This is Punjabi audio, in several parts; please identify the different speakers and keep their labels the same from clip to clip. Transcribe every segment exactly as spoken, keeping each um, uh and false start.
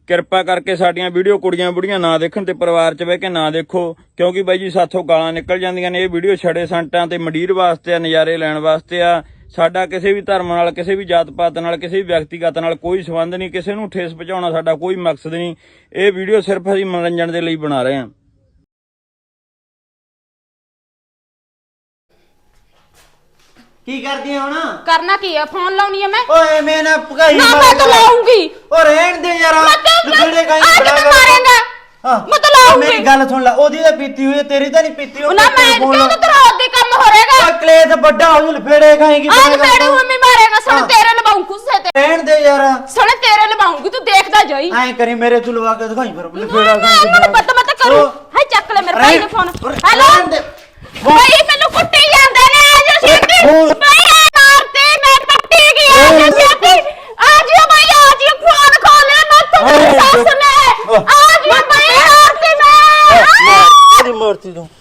Speaker 1: ਕਿਰਪਾ ਕਰਕੇ ਸਾਡੀਆਂ ਵੀਡੀਓ ਕੁੜੀਆਂ ਬੁੜੀਆਂ ਨਾ ਦੇਖਣ ਤੇ ਪਰਿਵਾਰ 'ਚ ਬਹਿ ਕੇ ਨਾ ਦੇਖੋ, ਕਿਉਂਕਿ ਬਾਈ ਜੀ ਸਾਥੋਂ ਗਾਲਾਂ ਨਿਕਲ ਜਾਂਦੀਆਂ ਨੇ। ਇਹ ਵੀਡੀਓ ਛੜੇ ਸੰਟਾਂ ਤੇ ਮੰਡੀਰ ਵਾਸਤੇ ਆ, ਨਜ਼ਾਰੇ ਲੈਣ ਵਾਸਤੇ ਆ। ਸਾਡਾ ਕਿਸੇ ਵੀ ਧਰਮ ਨਾਲ, ਕਿਸੇ ਵੀ ਜਾਤ ਪਾਤ ਨਾਲ, ਕਿਸੇ ਵੀ ਵਿਅਕਤੀਗਤ ਨਾਲ ਕੋਈ ਸੰਬੰਧ ਨਹੀਂ। ਕਿਸੇ ਨੂੰ ਠੇਸ ਪਹੁੰਚਾਉਣਾ ਸਾਡਾ ਕੋਈ ਮਕਸਦ ਨਹੀਂ। ਇਹ ਵੀਡੀਓ ਸਿਰਫ ਅਸੀਂ ਮਨੋਰੰਜਨ ਦੇ ਲਈ ਬਣਾ ਰਹੇ ਹਾਂ।
Speaker 2: ਕੀ ਕਰਦੀ ਹੁਣ?
Speaker 3: ਕਰਨਾ ਕੀ ਆ? ਫੋਨ ਲਾਉਣੀ ਆ ਮੈਂ।
Speaker 2: ਓਏ ਮੈਂ ਨਾ ਭਗਾਈ
Speaker 3: ਨਾ ਮੈਂ ਤਾਂ ਲਾਉਂਗੀ।
Speaker 2: ਓ ਰਹਿਣ ਦੇ ਯਾਰ, ਲੁਕੜੇ ਕਾਈ
Speaker 3: ਬੜਾ ਮਾਰੇਂਗਾ। ਮੈਂ ਤਾਂ ਲਾਉਂਗੀ।
Speaker 2: ਮੇਰੀ ਗੱਲ ਸੁਣ ਲੈ, ਉਹਦੀ ਤਾਂ ਪੀਤੀ ਹੋਈ, ਤੇਰੀ ਤਾਂ ਨਹੀਂ ਪੀਤੀ ਹੋਈ।
Speaker 3: ਨਾ ਮੈਂ ਕਿਉਂ ਤਾਂ ਤੇਰਾ ਉਹਦੇ ਕੰਮ ਹੋ ਰਹੇਗਾ।
Speaker 2: ਓ ਕਲੇਸ਼ ਵੱਡਾ ਹੋ ਜੂ, ਲਫੇੜੇ ਖਾਏਗੀ।
Speaker 3: ਆ ਲਫੇੜੇ ਮੰਮੀ ਮਾਰੇਗਾ। ਸੁਣ ਤੇਰੇ ਲਵਾਉਂ ਗੁੱਸੇ ਤੇ।
Speaker 2: ਰਹਿਣ ਦੇ ਯਾਰ,
Speaker 3: ਸੁਣ ਤੇਰੇ ਲਵਾਉਂਗੀ, ਤੂੰ ਦੇਖਦਾ ਜਾਈ।
Speaker 2: ਐਂ ਕਰੀ ਮੇਰੇ ਤੂੰ ਲਵਾ ਕੇ ਦਿਖਾਈ ਫਿਰ ਲਫੇੜਾ
Speaker 3: ਖਾਏਗੀ। ਮੈਨੂੰ ਪਤਾ ਮੈਂ ਤਾਂ ਕਰੂ। ਹਾਏ ਚੱਕ ਲੈ ਮੇਰੇ ਭਾਈ ਦਾ ਫੋਨ। ਹੈਲੋ ਭਾਈ, ਮੈਨੂੰ ਕੁੱਟੀ ਜਾਂਦੇ ਨੇ। ਆ ਜਾ ਛੇਤੀ ਭਾਈ, ਆ ਮਾਰਤੇ ਮੈਂ ਪੱਟੀ ਗਈ। ਆ ਜਾ ਛੇਤੀ, ਆ ਜਾ ਭਾਈ, ਆ ਜਾ ਫੋਨ ਖੋਲੇ ਮੈਂ ਤੇਰੀ ਸੱਸ ਨੇ। ਆ ਜਾ ਭਾਈ, ਮਾਰਤੇ ਮੈਂ
Speaker 2: ਤੇਰੀ ਮੂਰਤੀ ਤੂੰ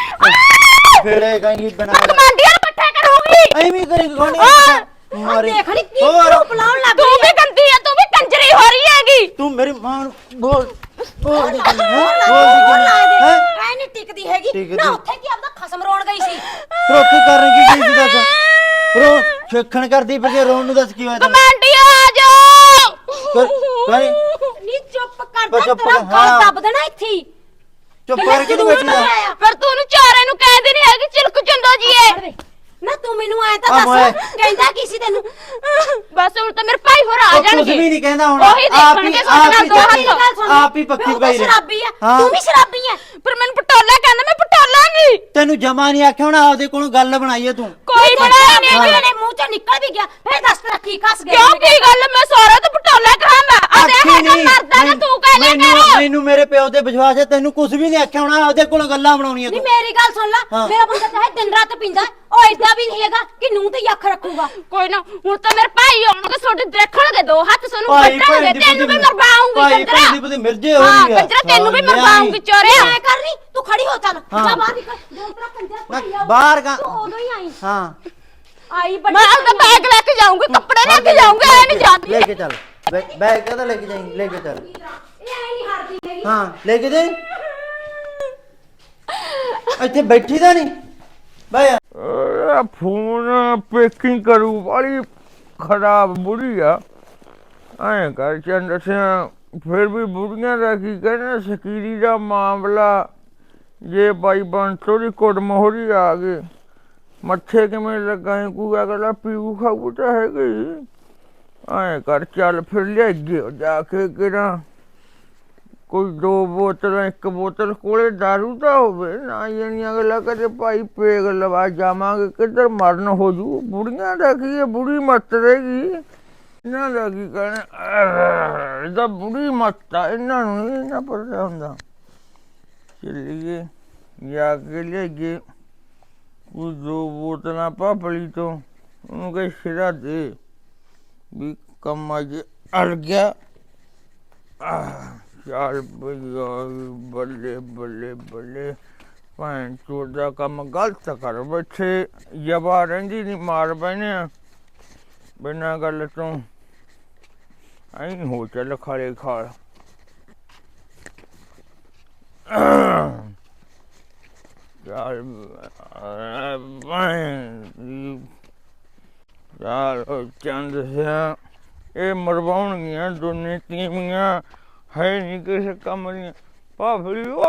Speaker 2: ਫੇੜੇ ਕਾਈ ਬਣਾ
Speaker 3: ਕਮਾਂਡੀਆਂ ਇਕੱਠੇ ਕਰੂੰਗੀ।
Speaker 2: ਐਵੇਂ ਕਰੇਂਗੀ ਗੋਣੀ ਮਾਰੇ।
Speaker 3: ਦੇਖਣੀ ਕੀ ਬੁਲਾਉਣ ਲੱਗ ਤੂੰ ਵੀ ਗੰਦੀ ਆ, ਤੂੰ ਵੀ ਕੰਜਰੀ ਹੋ ਰਹੀ ਹੈਗੀ।
Speaker 2: ਤੂੰ ਮੇਰੀ ਮਾਂ ਨੂੰ ਬੋਲ ਬੋਲ ਦੀ
Speaker 3: ਹੈ ਐ ਨਹੀਂ ਟਿਕਦੀ ਹੈਗੀ ਨਾ। ਉੱਥੇ ਕੀ ਆਪਦਾ ਖਸਮ ਰੋਣ ਗਈ ਸੀ।
Speaker 2: ਰੋਟੀ ਕਰਨ ਕੀ ਗਈ ਸੀ ਦੱਸ? ਰੋ ਛੇਖਣ ਕਰਦੀ ਫਿਰ ਰੋਣ ਨੂੰ ਦੱਸ ਕੀ ਹੋਇਆ?
Speaker 3: ਕਮਾਂਡੀਆਂ ਆ ਜਾਓ।
Speaker 2: ਕਰੀ
Speaker 3: ਨੀ ਚੁੱਪ ਕਰ ਜਾ, ਤੇਰਾ ਗਲ ਦੱਬ ਦੇਣਾ ਇੱਥੇ।
Speaker 2: ਚੁੱਪ ਕਰਕੇ ਨਹੀਂ ਬੈਠਣਾ।
Speaker 3: ਪਰ ਤੂੰ ਉਹਨੂੰ ਚਾਰੇ ਨੂੰ ਕਹਿੰਦੀ ਨਹੀਂ ਹੈਗੀ ਚਿਲਕ ਚੰਦਾ ਜੀ ਏ। ਨਾ ਤੂੰ ਮੈਨੂੰ ਐ ਤਾਂ ਦੱਸ, ਕਹਿੰਦਾ ਕੀ ਸੀ ਤੈਨੂੰ? ਬਸ ਹੁਣ ਤਾਂ ਮੇਰੇ ਭਾਈ ਹੋਰ ਆ ਜਾਣਗੇ।
Speaker 2: ਕੁਝ ਵੀ ਨਹੀਂ ਕਹਿੰਦਾ ਹੁਣ।
Speaker 3: ਉਹੀ ਦੇਖਣਗੇ ਸਾਡੇ ਨਾਲ ਦੋ ਹੱਥ।
Speaker 2: ਆਪ ਹੀ ਪੱਕੀ ਪਈ ਰਹਿ।
Speaker 3: ਸ਼ਰਾਬੀ ਆ ਤੂੰ ਵੀ, ਸ਼ਰਾਬੀ ਆ। ਪਰ ਮੈਨੂੰ ਪਟੋਲਾ ਕਹਿੰਦਾ, ਮੈਂ ਪਟੋਲਾ ਨਹੀਂ।
Speaker 2: ਤੈਨੂੰ ਜਮਾ ਨਹੀਂ ਆਖਿਆ ਹੁਣ, ਆਪਦੇ ਕੋਲੋਂ ਗੱਲ ਬਣਾਈਏ ਤੂੰ।
Speaker 3: ਕੋਈ ਬਣਾਇਆ ਨਹੀਂ, ਮੇਰੇ ਮੂੰਹ ਚੋਂ ਨਿਕਲ ਵੀ ਗਿਆ। ਫੇਰ ਦੱਸ ਤੇਰਾ ਕੀ ਕੱਸ ਗਿਆ? ਕਿਉਂ ਕੀ ਗੱਲ? ਮੈਂ ਸਾਰਾ ਤਾਂ ਪਟੋਲਾ ਕਹਾਂਗਾ। ਆ ਦੇਖ ਇਹ ਮਰਦਾ ਨਾ, ਤੂੰ ਕਹਿ ਲਿਆ ਕਰ।
Speaker 2: ਮੈਨੂੰ ਮੇਰੇ ਪਿਓ ਤੇ ਵਿਸ਼ਵਾਸ ਹੈ, ਤੈਨੂੰ ਕੁਝ ਵੀ ਨਹੀਂ ਆਖਿਆ ਹੁਣ, ਆਪਦੇ ਕੋਲੋਂ ਗੱਲਾਂ ਬਣਾਉਣੀਆਂ
Speaker 3: ਤੂੰ। ਨਹੀਂ ਮੇਰੀ ਗੱਲ ਸੁਣ ਲੈ, ਮੇਰਾ ਬੰਦਾ ਚਾਹੇ ਦਿਨ ਰਾਤ ਪੀਂਦਾ, ਉਹ ਏਦਾਂ ਵੀ ਨਹੀਂ ਹੈਗਾ ਕਿ ਨੂੰਹ ਤੇ ਅੱਖ ਰੱਖੂਗਾ। ਕੋਈ ਨਾ, ਹੁਣ ਤਾਂ ਮੇਰੇ ਭਾਈ ਆਉਣਗੇ, ਤੁਹਾਡੇ ਦੇਖਣਗੇ ਦੋ ਹੱਥ ਸਾਨੂੰ ਕੱਟਣਗੇ। ਤੈਨੂੰ ਵੀ ਮਰਵਾਉਂਗੀ ਕੰਜਰਾ।
Speaker 2: ਭਾਈ ਭਾਈ ਮਿਰਜੇ ਹੋ
Speaker 3: ਹਾਂ ਕੰਜਰਾ, ਤੈਨੂੰ ਵੀ ਮਰਵਾਉਂਗੀ ਚੋਰਿਆ। ਐ ਕਰਨੀ ਤੂੰ ਖੜੀ ਹੋ, ਚੱਲ ਜਾ ਬਾਹਰ ਨਿਕਲ। ਜਦੋਂ ਤੇਰਾ ਕੰਜਰਾ ਭਾਈ ਆਊ
Speaker 2: ਬਾਹਰ ਗਾ
Speaker 3: ਤੂੰ ਉਦੋਂ ਹੀ ਆਈ।
Speaker 2: ਹਾਂ
Speaker 3: ਆਈ ਬੱਚਾ, ਮੈਂ ਆਪਦਾ ਬੈਗ ਲੈ ਕੇ ਜਾਊਂਗੀ, ਕੱਪੜੇ ਲੈ ਕੇ ਜਾਊਂਗੀ। ਐ ਨਹੀਂ ਜਾਂਦੀ।
Speaker 2: ਲੈ ਕੇ ਚੱਲ ਬੈਗ ਕਹਦਾ ਲੈ ਕੇ ਜਾਈਂ, ਲੈ ਕੇ ਚੱਲ।
Speaker 3: ਇਹ ਐ ਨਹੀਂ ਹਟਦੀ ਹੈਗੀ।
Speaker 2: ਹਾਂ ਲੈ ਕੇ ਜਾਈਂ। ਇੱਥੇ ਬੈਠੀ ਦਾ ਨਹੀਂ ਬਾਇਆ।
Speaker 1: ਫੋਨ ਪੈਕਿੰਗ ਕਰੂ ਵਾਲੀ ਖਰਾਬ ਬੁੜੀ ਆ। ਐਂ ਕਰ ਚੰਦ ਦੱਸਿਆ, ਫਿਰ ਵੀ ਬੁੜੀਆਂ ਦਾ ਕੀ ਕਹਿਣਾ। ਸਕੀਰੀ ਦਾ ਮਾਮਲਾ ਜੇ ਬਾਈ ਬੰਸੋ ਦੀ ਕੁੱਟ ਮੋਹਰੀ ਆ ਗਏ, ਮੱਥੇ ਕਿਵੇਂ ਲੱਗਾ ਕੋਈ ਅਗਲਾ ਪੀਊ ਖਾਊ ਤਾਂ ਹੈਗੀ। ਐਂ ਕਰ ਚੱਲ ਫਿਰ ਲਿਆਈਏ ਜਾ ਕੇ ਕਿਹੜਾ ਕੋਈ ਦੋ ਬੋਤਲਾਂ, ਇੱਕ ਬੋਤਲ ਕੋਲੇ ਦਾਰੂ ਦਾ ਹੋਵੇ ਨਾ। ਯਾਨੀ ਅਗਲਾ ਕਦੇ ਭਾਈ ਪੇਗ ਲਵਾ ਜਾਵਾਂਗੇ, ਕਿੱਧਰ ਮਰਨ ਹੋ ਜੂ। ਬੁੜੀਆਂ ਦਾ ਕੀ ਹੈ, ਬੁੜੀ ਮੱਤ ਰਹੇਗੀ। ਇਹਨਾਂ ਦਾ ਕੀ ਕਹਿਣਾ, ਇਹਦਾ ਬੁੜੀ ਮੱਤ ਆ, ਇਹਨਾਂ ਨੂੰ ਨਹੀਂ ਨਾ ਪਤਾ ਹੁੰਦਾ। ਚੱਲੀਏ ਜਾ ਕੇ ਲਿਆਈਏ ਕੋਈ ਦੋ ਬੋਤਲਾਂ ਭਾਪਲੀ ਤੋਂ, ਉਹਨੂੰ ਕਹੇ ਸਿਰਾ ਦੇ ਵੀ ਕੰਮ ਅੱਜ ਅੜ ਗਿਆ। ਚੱਲ ਬਈਆ, ਬੱਲੇ ਬੱਲੇ ਬੱਲੇ। ਭੈਣ ਚੋਰ ਦਾ ਕੰਮ ਗਲਤ ਕਰ ਬੈਠੇ। ਜਵਾ ਰਹਿੰਦੀ ਨਹੀਂ, ਮਾਰ ਬਹਿਨੇ ਆ ਬਿਨਾਂ ਗੱਲ ਤੋਂ। ਐਂ ਹੋ ਚੱਲ ਖਾਲੇ ਖਾਲ। ਚੱਲ ਚੱਲ ਚੰਦ ਸਿਆ, ਇਹ ਮਰਵਾਉਣਗੀਆਂ ਦੋਨੇ ਤੀਵੀਆਂ, ਹੈ ਨਹੀਂ ਕਿਸੇ ਕੰਮ ਦੀਆਂ। ਭਾਫੜੀ ਓ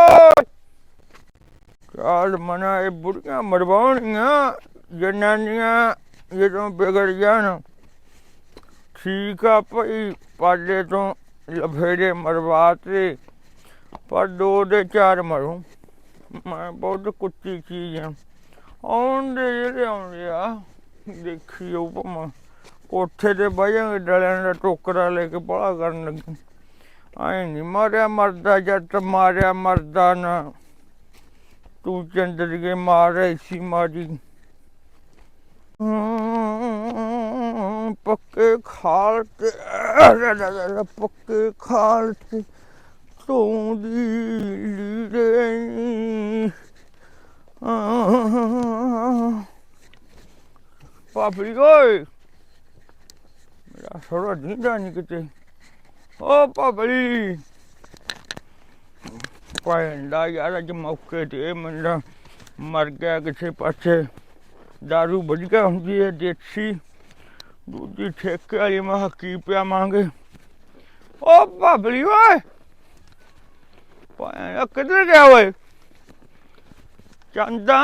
Speaker 1: ਚੱਲ ਮਨਾ, ਇਹ ਬੁੜੀਆਂ ਮਰਵਾਉਣਗੀਆਂ ਜਨਾਨੀਆਂ ਜਦੋਂ ਵਿਗੜ ਜਾਣ। ਠੀਕ ਆ ਭਾਈ, ਪਾਲੇ ਤੋਂ ਲਫੇੜੇ ਮਰਵਾ ਤੇ, ਪਰ ਦੋ ਦੇ ਚਾਰ ਮਰੂ। ਮੈਂ ਬਹੁਤ ਕੁੱਤੀ ਚੀਜ਼ ਆ। ਆਉਂਦੇ ਜਿਹੜੇ ਆਉਂਦੇ ਆ, ਦੇਖੀ ਉਹ ਭਾਵੇਂ ਕੋਠੇ ਤੇ ਬਹਿ ਜਾਂਗੇ, ਡਲਿਆਂ ਦਾ ਟੋਕਰਾ ਲੈ ਕੇ ਬਾਹਲਾ ਕਰਨ ਲੱਗੇ। ਐਂ ਨਹੀਂ ਮਾਰਿਆ ਮਰਦਾ ਜੱਟ, ਮਾਰਿਆ ਮਰਦਾ ਨਾ। ਤੂੰ ਚੰਦਰੀਏ ਮਾਰ ਐਸੀ ਮਾਰੀ। ਪੱਕੇ ਖਾਲ ਤੇ ਪੱਕੇ ਖਾਲ ਤੇ ਤੂੰ ਦੀ ਲੀੜੇ ਨੀ। ਭਾਪੜੀ ਓਏ, ਮੇਰਾ ਥੋੜਾ ਦੀਂਦਾ ਨਹੀਂ ਕਿਤੇ। ਓ ਭਬਲੀ ਪੈਂਦਾ ਯਾਰ ਅੱਜ ਮੌਕੇ ਤੇ ਇਹ ਮੁੰਡਾ ਮਰ ਗਿਆ ਕਿਸੇ ਪਾਸੇ। ਦਾਰੂ ਵਧੀਆ ਹੁੰਦੀ ਹੈ ਦੇਸੀ, ਦੂਜੀ ਠੇਕੇ ਵਾਲੀ ਮੈਂ ਕਿਹਾ ਕੀ ਪਿਆਵਾਂਗੇ। ਓ ਭਬਲੀ ਓਏ ਪੈਂਦਾ ਕਿੱਧਰ ਗਿਆ ਓਏ ਚੰਦਾ।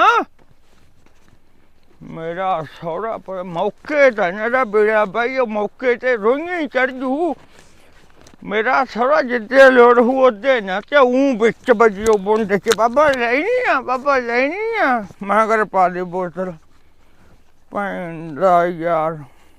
Speaker 1: ਮੇਰਾ ਸਹੁਰਾ ਪਰ ਮੌਕੇ ਤੇ ਮੇਰਾ ਬੇੜਾ ਬਾਈ ਉਹ ਮੌਕੇ ਤੇ ਰੋਈਆਂ ਹੀ ਚੜ ਜੂ। ਮੇਰਾ ਸਹੁਰਾ ਜਿੱਦੇ ਲੋੜ ਹੂ ਉਹਦੇ ਨਾ ਤੇ ਊਂ ਵਿੱਚ ਵੱਜਿਓ ਬੁੰਡ ਚ ਬਾਬਾ ਲੈਣੀ ਆ ਬਾਬਾ ਲੈਣੀ ਆ। ਮੈਂ ਕਰ ਪਾ ਦੇ ਬੋਤਲ ਪੈਂਦਾ ਯਾਰ।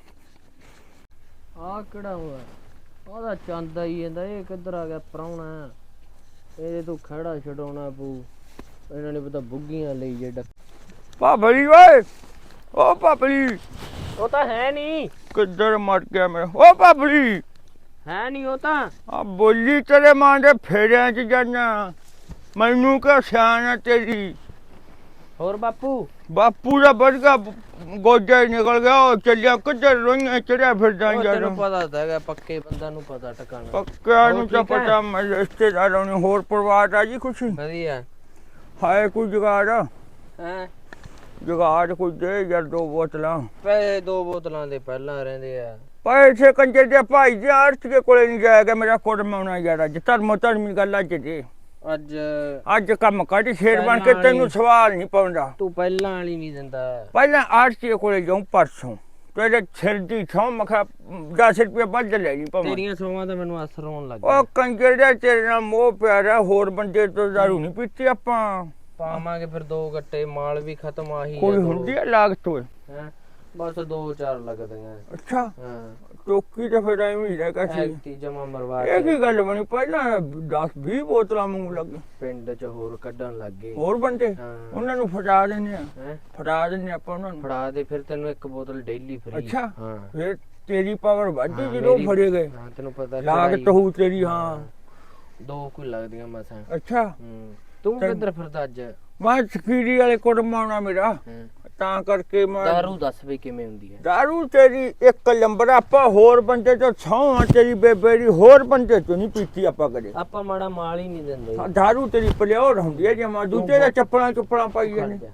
Speaker 4: ਆ ਕਿਹੜਾ ਹੋਇਆ? ਉਹਦਾ ਚਾਂਦਾ ਹੀ ਜਾਂਦਾ। ਇਹ ਕਿੱਧਰ ਆ ਗਿਆ ਪ੍ਰਾਹੁਣਾ? ਇਹਦੇ ਤੋਂ ਖੜਾ ਛਡਾਉਣਾ ਪਊ। ਇਹਨਾਂ ਨੇ ਪਤਾ ਬੁੱਗੀਆਂ ਲਈ ਜੇ ਡੱਕ।
Speaker 1: ਭਬਲੀ ਓਏ ਓ ਭਬਲੀ
Speaker 4: ਉਹ ਤਾਂ ਹੈ ਨਹੀਂ।
Speaker 1: ਕਿੱਧਰ ਮਰ ਗਿਆ ਮੇਰਾ ਓ ਭਬਲੀ?
Speaker 4: ਹੈ ਨਹੀਂ ਉਹ ਤਾਂ।
Speaker 1: ਆ ਬੋਲੀ ਤੇਰੇ ਮਾਂ ਦੇ ਫੇਰਿਆਂ ਚ ਜਾਨਾ ਮੈਨੂੰ ਕਿਉਂ ਸਿਆਣ ਆ ਤੇਰੀ।
Speaker 4: ਹੋਰ ਬਾਪੂ?
Speaker 1: ਬਾਪੂ ਦਾ ਵਰਗਾ ਗੋਜਾ ਹੀ ਨਿਕਲ ਗਿਆ। ਉਹ ਚੱਲਿਆ ਕਿੱਧਰ ਰੋਈਆਂ ਚੜਿਆ ਫਿਰਦਾ
Speaker 4: ਉਹ
Speaker 1: ਯਾਰ।
Speaker 4: ਤੈਨੂੰ ਪਤਾ ਤਾਂ ਹੈਗਾ ਪੱਕੇ ਬੰਦਾ ਨੂੰ ਪਤਾ ਟਿਕਾਣਾ।
Speaker 1: ਪੱਕਿਆ ਨੂੰ
Speaker 4: ਹੋਰ
Speaker 1: ਤਾਂ
Speaker 4: ਠੀਕ ਹੈ?
Speaker 1: ਪਤਾ ਮੈਂ ਰਿਸ਼ਤੇਦਾਰਾਂ ਨੂੰ ਹੋਰ ਪਰਿਵਾਰ ਦਾ ਜੀ ਖੁਸ਼ੀ
Speaker 4: ਵਧੀਆ
Speaker 1: ਹਾਏ ਕੋਈ ਜੁਗਾੜ
Speaker 4: ਹੈ।
Speaker 1: ਜੁਗਾੜ ਕੋਈ ਦੇ ਯਾਰ ਦੋ ਬੋਤਲਾਂ।
Speaker 4: ਪੈਸੇ ਦੋ ਬੋਤਲਾਂ ਦੇ ਪਹਿਲਾਂ ਰਹਿੰਦੇ ਆ।
Speaker 1: ਪੈਸੇ ਕੰਜੇ ਦੇ ਭਾਈ ਜੀ ਅਰਥ ਕੇ ਕੋਲੇ ਨਹੀਂ ਜਾਏਗਾ। ਮੇਰਾ ਕੋਟ ਮਾਉਣਾ ਯਾਰ ਅੱਜ ਧਰਮੋ ਧਰਮੀ ਗੱਲ ਅੱਜ ਦੇ
Speaker 4: ਅੱਜ
Speaker 1: ਅੱਜ ਕੰਮ ਕੱਢ ਸ਼ੇਰ ਬਣ ਕੇ ਤੈਨੂੰ ਸਵਾਲ ਨਹੀਂ ਪਾਉਂਦਾ।
Speaker 4: ਤੂੰ ਪਹਿਲਾਂ ਵਾਲੀ ਨਹੀਂ ਦਿੰਦਾ।
Speaker 1: ਪਹਿਲਾਂ ਅਰਥ ਕੇ ਕੋਲੇ ਜਾਉਂ ਪਰਸੋਂ ਤੇਰੇ ਸਿਰ ਦੀ ਛਾਂ ਮਖਾ ਦਸ ਰੁਪਏ ਵੱਧ ਲੈ ਜੀ ਭਾਵੇਂ।
Speaker 4: ਤੇਰੀਆਂ ਸੌਵਾਂ ਤਾਂ ਮੈਨੂੰ ਅਸਰ ਹੋਣ ਲੱਗ
Speaker 1: ਉਹ ਕੰਜੇ ਦਾ ਤੇਰੇ ਨਾਲ ਮੋਹ ਪਿਆਰਾ। ਹੋਰ ਬੰਦੇ ਤੋਂ ਦਾਰੂ ਨਹੀਂ ਪੀਤੀ ਆਪਾਂ।
Speaker 4: ਪਾਵਾਂਗੇ ਫਿਰ ਦੋ ਗੱਟੇ ਮਾਲ ਵੀ ਖਤਮ ਆਹੀ
Speaker 1: ਕੋਈ ਹੁੰਦੀ ਹੈ ਲਾਗਤ ਓਏ?
Speaker 4: ਹੈ ਬਸ ਦੋ ਚਾਰ ਲੱਗਦੀਆਂ।
Speaker 1: ਅੱਛਾ
Speaker 4: ਹਾਂ
Speaker 1: ਚੌਕੀ ਤੇ ਫਿਰ ਐਵੇਂ ਹੀ ਰਹਿ ਗਿਆ ਸੀ।
Speaker 4: ਐਕਟੀ ਜਮਾ ਮਰਵਾ
Speaker 1: ਇਹ
Speaker 4: ਕੇ
Speaker 1: ਕੀ ਗੱਲ ਬਣੀ ਪਹਿਲਾਂ ਦਸ ਵੀਹ ਬੋਤਲਾਂ ਮੰਗ ਲੱਗ
Speaker 4: ਪਿੰਡ ਚ ਹੋਰ ਕੱਢਣ ਲੱਗ ਗਏ।
Speaker 1: ਹੋਰ ਬੰਦੇ
Speaker 4: ਹਾਂ
Speaker 1: ਉਹਨਾਂ ਨੂੰ ਫੜਾ ਦਿੰਦੇ ਆ।
Speaker 4: ਹੈਂ?
Speaker 1: ਫੜਾ ਦਿੰਦੇ ਆਪਾਂ ਉਹਨਾਂ ਨੂੰ।
Speaker 4: ਫੜਾ ਦੇ ਫਿਰ ਤੈਨੂੰ ਇੱਕ ਬੋਤਲ ਡੇਲੀ ਫ੍ਰੀ।
Speaker 1: ਅੱਛਾ
Speaker 4: ਹਾਂ
Speaker 1: ਫਿਰ ਤੇਰੀ ਪਾਵਰ ਵੱਧੀ
Speaker 4: ਹਾਂ,
Speaker 1: ਜਦੋਂ
Speaker 4: ਮੇਰੀ-
Speaker 1: ਫੜੇ ਗਏ।
Speaker 4: ਹਾਂ ਤੈਨੂੰ ਪਤਾ
Speaker 1: ਲਾਗਤ
Speaker 4: ਚੜਾਈ-
Speaker 1: ਹੋਊ ਤੇਰੀ। ਹਾਂ
Speaker 4: ਦੋ ਕੁ ਲੱਗਦੀਆਂ ਮਸਾਂ।
Speaker 1: ਅੱਛਾ
Speaker 4: ਹੂੰ ਤੂੰ
Speaker 1: ਤੇ-
Speaker 4: ਕਿੱਧਰ ਫਿਰਦਾ ਅੱਜ?
Speaker 1: ਮੈਂ ਸਕੀਰੀ ਵਾਲੇ ਕੋਟ ਮਾਉਣਾ ਮੇਰਾ
Speaker 4: ਹੈਂ?
Speaker 1: ਤਾਂ ਕਰਕੇ ਮੈਂ
Speaker 4: ਦਾਰੂ ਦੱਸ ਵੀ ਕਿਵੇਂ ਹੁੰਦੀ ਹੈ?
Speaker 1: ਦਾਰੂ ਤੇਰੀ ਇੱਕ ਨੰਬਰ ਆਪਾਂ ਹੋਰ ਬੰਦੇ ਤੋਂ ਛਾਂ ਤੇਰੀ ਬੇਬੇ ਦੀ ਹੋਰ ਬੰਦੇ ਤੋਂ ਨਹੀਂ ਪੀਤੀ ਆਪਾਂ ਕਦੇ।
Speaker 4: ਆਪਾਂ ਮਾੜਾ ਮਾਲ ਹੀ ਨਹੀਂ ਦਿੰਦੇ।
Speaker 1: ਹਾਂ, ਦਾਰੂ ਤੇਰੀ ਪਲਿਓਰ ਹੁੰਦੀ ਹੈ ਜਮਾ ਦੂਜੇ ਦਾ ਚੱਪਲਾਂ ਚੁੱਪਲਾਂ ਪਾਈ
Speaker 4: ਖੜ
Speaker 1: ਜਾਂਦੇ।
Speaker 4: ਜਾ,